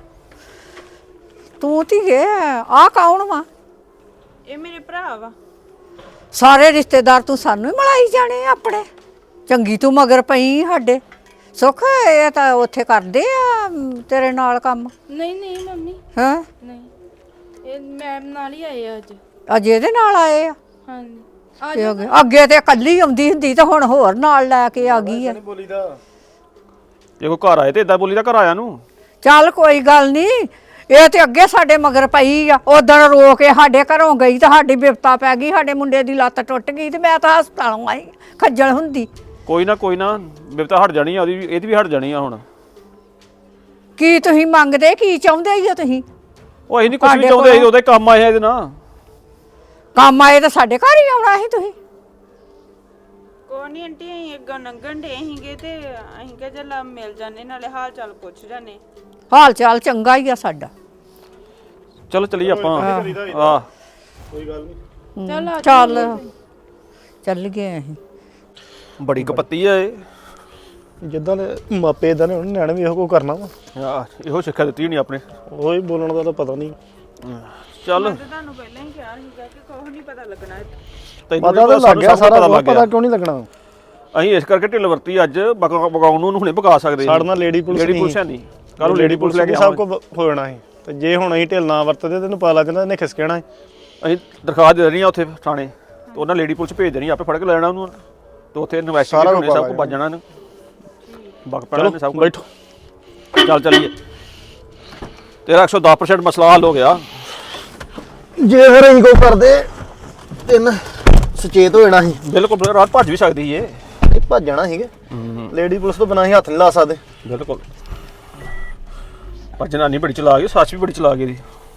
Speaker 8: ਤੂੰ ਧੀਏ ਆ ਕੌਣ ਵਾ?
Speaker 2: ਇਹ ਮੇਰੇ ਭਰਾ ਵਾ।
Speaker 8: ਸਾਰੇ ਰਿਸ਼ਤੇਦਾਰ ਤੂੰ ਸਾਨੂੰ ਹੀ ਮਲਾਈ ਜਾਣੇ ਆ ਆਪਣੇ? ਚੰਗੀ ਤੂੰ ਮਗਰ ਪਈ ਸਾਡੇ। ਸੁੱਖ ਇਹ ਤਾਂ ਉੱਥੇ ਕਰਦੇ ਆ ਤੇਰੇ ਨਾਲ ਕੰਮ?
Speaker 4: ਨਹੀਂ ਨਹੀਂ ਮੰਮੀ
Speaker 8: ਹਾਂ
Speaker 4: ਨਹੀਂ, ਇਹ ਮੈਮ ਨਾਲ ਹੀ ਆਏ ਆ ਅੱਜ।
Speaker 8: ਅੱਜ ਇਹਦੇ ਨਾਲ ਆਏ ਆ?
Speaker 4: ਹਾਂਜੀ
Speaker 8: ਤੇ ਅੱਗੇ ਅੱਗੇ ਤੇ ਇਕੱਲੀ ਆਉਂਦੀ ਹੁੰਦੀ ਤਾਂ ਹੁਣ ਹੋਰ ਨਾਲ ਲੈ ਕੇ ਆ ਗਈ ਆ।
Speaker 7: ਬੋਲੀਦਾ
Speaker 6: ਜੇ ਕੋਈ ਘਰ ਆਏ ਤੇ ਇਦਾਂ ਬੋਲੀਦਾ ਘਰ ਆਇਆ ਨੂੰ।
Speaker 8: ਚੱਲ ਕੋਈ ਗੱਲ ਨਹੀਂ, ਇਹ ਤੇ ਅੱਗੇ ਸਾਡੇ ਮਗਰ ਪਈ ਆ। ਉਦੋਂ ਰੋ ਕੇ ਸਾਡੇ ਘਰੋਂ ਗਈ ਤਾਂ ਸਾਡੀ ਬਿਪਤਾ ਪੈ ਗਈ, ਸਾਡੇ ਮੁੰਡੇ ਦੀ ਲੱਤ ਟੁੱਟ ਗਈ ਤੇ ਮੈਂ ਤਾਂ ਹਸਪਤਾਲੋਂ ਆਈ ਖੱਜਲ ਹੁੰਦੀ।
Speaker 6: ਕੋਈ ਨਾ ਕੋਈ ਨਾ ਬਿਪਤਾ ਹਟ ਜਾਣੀ ਆ, ਉਹਦੀ ਇਹਦੀ ਵੀ ਹਟ ਜਾਣੀ ਆ ਹੁਣ।
Speaker 8: ਕੀ ਤੁਸੀਂ ਮੰਗਦੇ, ਕੀ ਚਾਹੁੰਦੇ ਹੀ ਹੋ ਤੁਸੀਂ?
Speaker 6: ਉਹ ਅਸੀਂ ਨਹੀਂ ਕੁਝ ਵੀ ਚਾਹੁੰਦੇ, ਅਸੀਂ ਉਹਦੇ ਕੰਮ ਆਏ ਆ ਇਹਦੇ ਨਾਲ।
Speaker 8: ਕੰਮ ਆਏ ਤਾਂ ਸਾਡੇ ਘਰ ਹੀ ਆਉਣਾ ਸੀ ਤੁਸੀਂ।
Speaker 2: ਕੋਈ ਨਹੀਂ ਆਂਟੀ ਅਸੀਂ ਅੱਗੋਂ ਲੰਘਣ ਡੇ ਸੀਗੇ ਤੇ ਅਸੀਂ ਕਿਹਾ ਚੱਲ ਮਿਲ ਜਾਂਦੇ ਨਾਲੇ ਹਾਲ ਚਾਲ ਪੁੱਛ ਜਾਂਦੇ।
Speaker 8: ਹਾਲ ਚਾਲ ਚੰਗਾ ਹੀ ਆ ਸਾਡਾ।
Speaker 6: ਚਲੋ ਚਲੀਏ ਆਪਾਂ ਆ
Speaker 7: ਕੋਈ ਗੱਲ ਨਹੀਂ।
Speaker 8: ਚੱਲ ਚੱਲ ਗਏ ਅਸੀਂ।
Speaker 6: ਬੜੀ ਕਪੱਤੀ ਆ ਇਹ
Speaker 7: ਜਿੱਦਾਂ ਦੇ ਮਾਪੇ ਇਦਾਂ ਨੇ ਉਹਨਾਂ ਨਿਆਣੇ ਵੀ ਇਹੋ ਕੋ ਕਰਨਾ ਵਾ।
Speaker 6: ਆ ਇਹੋ ਸਿੱਖਿਆ ਦਿੱਤੀ ਨਹੀਂ ਆਪਣੇ
Speaker 7: ਉਹ ਹੀ ਬੋਲਣ ਦਾ ਤਾਂ ਪਤਾ ਨਹੀਂ।
Speaker 6: ਚੱਲ
Speaker 2: ਤੁਹਾਨੂੰ ਪਹਿਲਾਂ ਹੀ ਕਿਹਾ ਸੀਗਾ ਕਿ ਕੁਝ ਨਹੀਂ ਪਤਾ ਲੱਗਣਾ
Speaker 6: ਤੈਨੂੰ
Speaker 7: ਪਤਾ ਤਾਂ ਲੱਗ ਗਿਆ ਸਾਰਾ ਕੁਝ, ਪਤਾ ਕਿਉਂ ਨਹੀਂ ਲੱਗਣਾ।
Speaker 6: ਅਸੀਂ ਇਸ ਕਰਕੇ ਢਿੱਲ ਵਰਤੀ ਅੱਜ ਬਗਾਉਣ ਨੂੰ ਹੁਣੇ ਭਗਾ ਸਕਦੇ
Speaker 7: ਸਾਡੇ ਨਾਲ ਲੇਡੀ ਪੁਲਿਸ
Speaker 6: ਲੇਡੀ ਪੁਲਿਸ ਹੈ ਨਹੀਂ ਕੱਲ ਨੂੰ ਲੇਡੀ ਪੁਲਿਸ ਲੈ ਕੇ
Speaker 7: ਸਭ ਕੁਝ ਹੋ ਜਾਣਾ ਸੀ ਤੇ ਜੇ ਹੁਣ ਅਸੀਂ ਢਿੱਲ ਨਾ ਵਰਤਦੇ ਤੈਨੂੰ ਪਤਾ ਲੱਗ ਜਾਂਦਾ ਇਹਨੇ ਖਿਸਕਣਾ ਸੀ।
Speaker 6: ਅਸੀਂ ਦਰਖਾਸਤ ਦੇ ਦੇਣੀ ਆ ਉੱਥੇ ਥਾਣੇ ਤੇ ਉਹਨਾਂ ਲੇਡੀ ਪੁਲਿਸ ਭੇਜ ਦੇਣੀ ਆਪੇ ਫੜ ਕੇ ਲੈ ਜਾਣਾ ਉਹਨੂੰ ਤੇ ਉੱਥੇ ਇਨਵੈਸਟੀਗੇਟ ਹੋਣੇ ਸਭ ਕੁਝ ਵੱਜ ਜਾਣਾ ਇਹਨੂੰ ਬਗ ਪੈਣਾ ਨੇ ਸਭ ਕੁਝ।
Speaker 7: ਬੈਠੋ
Speaker 6: ਚੱਲ ਚੱਲੀਏ ਤੇਰਾ ਇੱਕ ਸੌ ਦਸ ਪਰਸੈਂਟ ਮਸਲਾ ਹੱਲ ਹੋ ਗਿਆ।
Speaker 7: ਜੇ ਫਿਰ ਅਸੀਂ ਕੋ ਕਰਦੇ ਤਿੰਨ ਸੁਚੇਤ ਹੋ ਜਾਣਾ ਸੀ।
Speaker 6: ਬਿਲਕੁਲ ਰਾਤ ਭੱਜ ਵੀ ਸਕਦੀ ਏ
Speaker 7: ਇਹ ਭੱਜਣਾ ਸੀਗੇ ਲੇਡੀ ਪੁਲਿਸ ਤੋਂ ਬਿਨਾਂ ਅਸੀਂ ਹੱਥ ਨਹੀਂ ਲਾ ਸਕਦੇ।
Speaker 6: ਬਿਲਕੁਲ ਪਰ ਜਨਾਨੀ ਬੜੀ ਚਲਾ ਗਈ ਸੱਚ ਵੀ ਬੜੀ ਚਲਾ ਗਈ ਦੀ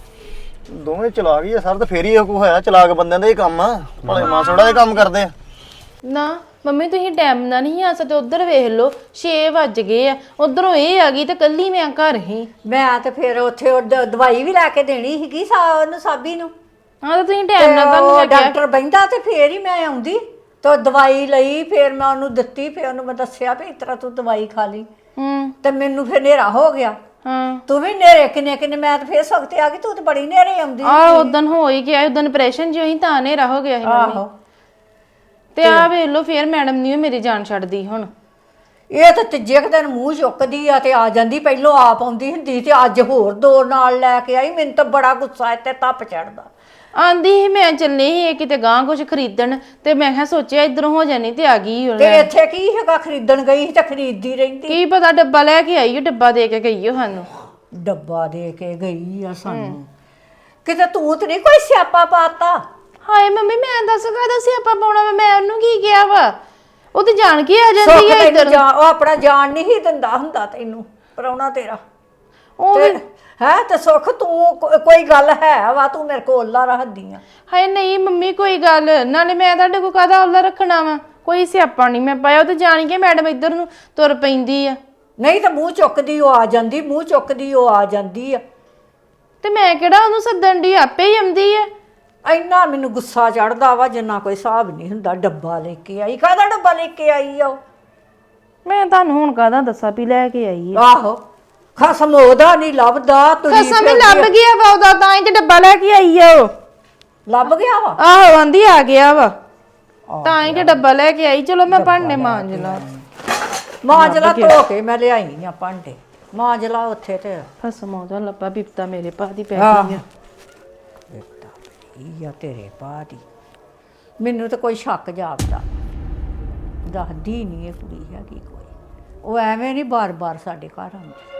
Speaker 7: ਦੋਵੇਂ ਚਲਾ ਗਈ ਆ ਸਰ ਤੇ ਫੇਰ ਹੀ ਇਹ ਕੋ ਹੋਇਆ ਚਲਾਕ ਬੰਦਿਆਂ ਦਾ ਇਹ ਕੰਮ ਆ ਭਲੇ ਮਾਸੜਾ ਇਹ ਕੰਮ ਕਰਦੇ ਆ।
Speaker 4: ਨਾ ਮੰਮੀ ਤੁਸੀਂ ਟਾਈਮ ਨਾਲ ਨਹੀਂ ਆ ਸਕਦੇ, ਉਧਰ ਵੇਖ ਲਓ ਛੇ ਵੱਜ ਗਏ ਆ, ਉਧਰੋਂ ਇਹ ਆ ਗਈ ਤੇ ਕੱਲੀ ਮੈਂ ਘਰ ਹੀ।
Speaker 8: ਮੈਂ ਤੇ ਫਿਰ ਉੱਥੇ ਉਹ ਦ- ਦਵਾਈ ਵੀ ਲੈ ਕੇ ਦੇਣੀ ਸੀਗੀ ਸਾ ਉਹਨੂੰ ਸਾਬੀ ਨੂੰ।
Speaker 4: ਹਾਂ ਤਾਂ ਤੁਸੀਂ ਟਾਈਮ ਨਾਲ ਤੁਹਾਨੂੰ ਮੈਂ ਕਿਹਾ
Speaker 8: ਡਾਕਟਰ ਬੈਂਦਾ ਤੇ ਫੇਰ ਹੀ ਮੈਂ ਆਉਂਦੀ ਤੇ ਦਵਾਈ ਲਈ ਫਿਰ ਮੈਂ ਉਹਨੂੰ ਦਿੱਤੀ ਫਿਰ ਉਹਨੂੰ ਮੈਂ ਦੱਸਿਆ ਵੀ ਇਸ ਤਰ੍ਹਾਂ ਤੂੰ ਦਵਾਈ ਖਾ ਲਈ।
Speaker 4: ਹੂੰ
Speaker 8: ਤੇ ਮੈਨੂੰ ਫਿਰ ਹਨੇਰਾ ਹੋ ਗਿਆ।
Speaker 4: ਹਾਂ
Speaker 8: ਤੂੰ ਵੀ ਨੇਰੇ ਕਿੰਨੇ ਕਿੰਨੇ ਮੈਂ ਤਾਂ ਫੇਰ ਸਖਤੇ ਆ ਗਈ ਤੂੰ ਤੇ ਬੜੀ ਨੇਰੇ ਆਉਂਦੀ।
Speaker 4: ਆ ਉਦਣ ਹੋ ਹੀ ਗਿਆ ਉਦਣ ਆਪਰੇਸ਼ਨ ਜਿਹਾ ਹੀ ਤਾਂ ਹਨੇਰਾ ਹੋ ਗਿਆ ਸੀ ਮੰਮੀ।
Speaker 8: ਆਹੋ
Speaker 4: ਤੇ ਆ ਵੇਖ ਲਓ ਫੇਰ ਮੈਡਮ ਨਹੀਂ ਮੇਰੀ ਜਾਨ ਛੱਡਦੀ ਹੁਣ।
Speaker 8: ਇਹ ਤਾਂ ਤੀਜੇ ਕੁ ਦਿਨ ਮੂੰਹ ਚੁੱਕਦੀ ਆ ਤੇ ਆ ਜਾਂਦੀ, ਪਹਿਲੋਂ ਆਪ ਆਉਂਦੀ ਹੁੰਦੀ ਤੇ ਅੱਜ ਹੋਰ ਦੋ ਨਾਲ ਲੈ ਕੇ ਆਈ। ਮੈਨੂੰ ਤਾਂ ਬੜਾ ਗੁੱਸਾ ਇੱਥੇ ਤੱਪ ਚੜਦਾ।
Speaker 4: ਆਂਦੀ ਸੀ ਮੈਂ ਚੱਲੀ ਸੀ ਇਹ ਕਿਤੇ ਗਾਂ ਕੁਝ ਖਰੀਦਣ ਤੇ ਮੈਂ ਕਿਹਾ ਸੋਚਿਆ ਇਧਰੋਂ ਹੋ ਜਾਣੀ ਤੇ ਆ ਗਈ ਹੁਣ।
Speaker 8: ਤੇ ਇੱਥੇ ਕੀ ਹੈਗਾ ਖਰੀਦਣ ਗਈ ਸੀ ਤੇ ਖਰੀਦਦੀ ਰਹਿੰਦੀ।
Speaker 4: ਕੀ ਪਤਾ ਡੱਬਾ ਲੈ ਕੇ ਆਈ ਉਹ ਡੱਬਾ ਦੇ ਕੇ ਗਈ ਉਹ ਸਾਨੂੰ।
Speaker 8: ਡੱਬਾ ਦੇ ਕੇ ਗਈ ਆ ਸਾਨੂੰ। ਕਿਤੇ ਤੂੰ ਤੇ ਨਹੀਂ ਕੋਈ ਸਿਆਪਾ ਪਾਤਾ।
Speaker 4: ਹਾਏ ਮੰਮੀ ਮੈਂ ਦੱਸ ਕਾਹਦਾ ਸਿਆਪਾ ਪਾਉਣਾ ਵਾ, ਮੈਂ ਉਹਨੂੰ ਕੀ ਕਿਹਾ ਵਾ? ਉਹ ਤੇ ਜਾਣ ਕੇ ਆ ਜਾਂਦੀ
Speaker 8: ਸੁੱਖ
Speaker 4: ਹੈ
Speaker 8: ਤੈਨੂੰ
Speaker 4: ਇੱਧਰ।
Speaker 8: ਜਾਣ- ਉਹ ਆਪਣਾ ਜਾਣ ਨਹੀਂ ਸੀ ਦਿੰਦਾ ਹੁੰਦਾ ਤੈਨੂੰ ਪ੍ਰਾਹੁਣਾ ਤੇਰਾ।
Speaker 4: ਉਹ
Speaker 8: ਤੇ ਹੈ ਤੇ ਸੁੱਖ ਤੂੰ ਕੋ- ਕੋਈ ਗੱਲ ਹੈ ਵਾ ਤੂੰ ਮੇਰੇ ਕੋਲ ਓਲਾ ਰੱਖਦੀ ਆ।
Speaker 4: ਹਾਏ ਨਹੀਂ ਮੰਮੀ ਕੋਈ ਗੱਲ ਨਾਲੇ ਮੈਂ ਤੁਹਾਡੇ ਕੋਲ ਕਾਹਦਾ ਔਲਾ ਰੱਖਣਾ ਵਾ, ਕੋਈ ਸਿਆਪਾ ਨਹੀਂ ਮੈਂ ਪਾਇਆ। ਉਹ ਤੇ ਜਾਣ ਕੇ ਮੈਡਮ ਇੱਧਰ ਨੂੰ ਤੁਰ ਪੈਂਦੀ ਆ।
Speaker 8: ਨਹੀਂ ਤਾਂ ਮੂੰਹ ਚੁੱਕਦੀ ਉਹ ਆ ਜਾਂਦੀ, ਮੂੰਹ ਚੁੱਕਦੀ ਉਹ ਆ ਜਾਂਦੀ ਆ।
Speaker 4: ਤੇ ਮੈਂ ਕਿਹੜਾ ਉਹਨੂੰ ਸੱਦਣ ਦੀ, ਆਪੇ ਹੀ ਆਉਂਦੀ ਆ।
Speaker 8: ਇੰਨਾ ਮੈਨੂੰ ਗੁੱਸਾ ਚੜਦਾ ਵਾ ਜਿੰਨਾ ਕੋਈ ਹਿਸਾਬ ਨਹੀਂ ਹੁੰਦਾ। ਡੱਬਾ ਲੈ ਕੇ ਆਈ, ਕਾਹਦਾ ਡੱਬਾ ਲੈ ਕੇ ਆਈ ਆ ਉਹ?
Speaker 4: ਮੈਂ ਤੁਹਾਨੂੰ ਹੁਣ ਕਾਹਦਾ ਦੱਸਾਂ ਵੀ ਲੈ ਕੇ ਆਈ ਆ।
Speaker 8: ਆਹੋ ਖਸਮ ਉਹਦਾ ਨਹੀਂ ਲੱਭਦਾ। ਤੁਰੀ
Speaker 4: ਕਸਮ ਹੀ
Speaker 8: ਫਿਰਦੀ
Speaker 4: ਲੱਭ
Speaker 8: ਆ।
Speaker 4: ਗਿਆ ਵਾ ਉਹਦਾ, ਤਾਂ ਹੀ ਤੇ ਡੱਬਾ ਲੈ ਕੇ ਆਈ ਆ ਉਹ।
Speaker 8: ਲੱਭ ਗਿਆ ਵਾ।
Speaker 4: ਆਹੋ ਆਂਦੀ ਆ ਗਿਆ ਵਾ, ਤਾਂ ਹੀ ਤੇ ਡੱਬਾ ਲੈ ਕੇ ਆਈ। ਚਲੋ ਮੈਂ ਭਾਂਡੇ ਮਾਂਜ ਲਾ।
Speaker 8: ਮਾਂਜਲਾ ਧੋ ਕੇ ਮੈਂ ਲਿਆਈ ਆ ਭਾਂਡੇ। ਮਾਂਜਲਾ ਉੱਥੇ ਤੇ
Speaker 4: ਫਸਮ ਉਹਦਾ ਲੱਭਾ ਬਿਪਤਾ ਮੇਰੇ ਪਾ ਦੀ ਪੈ
Speaker 8: ਆਹ।
Speaker 4: ਗਈ ਆ।
Speaker 8: ਇਹ ਆ ਤੇਰੇ ਬਾਅਦ ਹੀ ਮੈਨੂੰ ਤਾਂ ਕੋਈ ਸ਼ੱਕ ਜਾਪਦਾ। ਦੱਸਦੀ ਨਹੀਂ ਇਹ ਕੁੜੀ ਹੈਗੀ ਕੋਈ। ਉਹ ਐਵੇਂ ਨਹੀਂ ਬਾਰ-ਬਾਰ ਸਾਡੇ ਘਰ ਆਉਂਦੀ।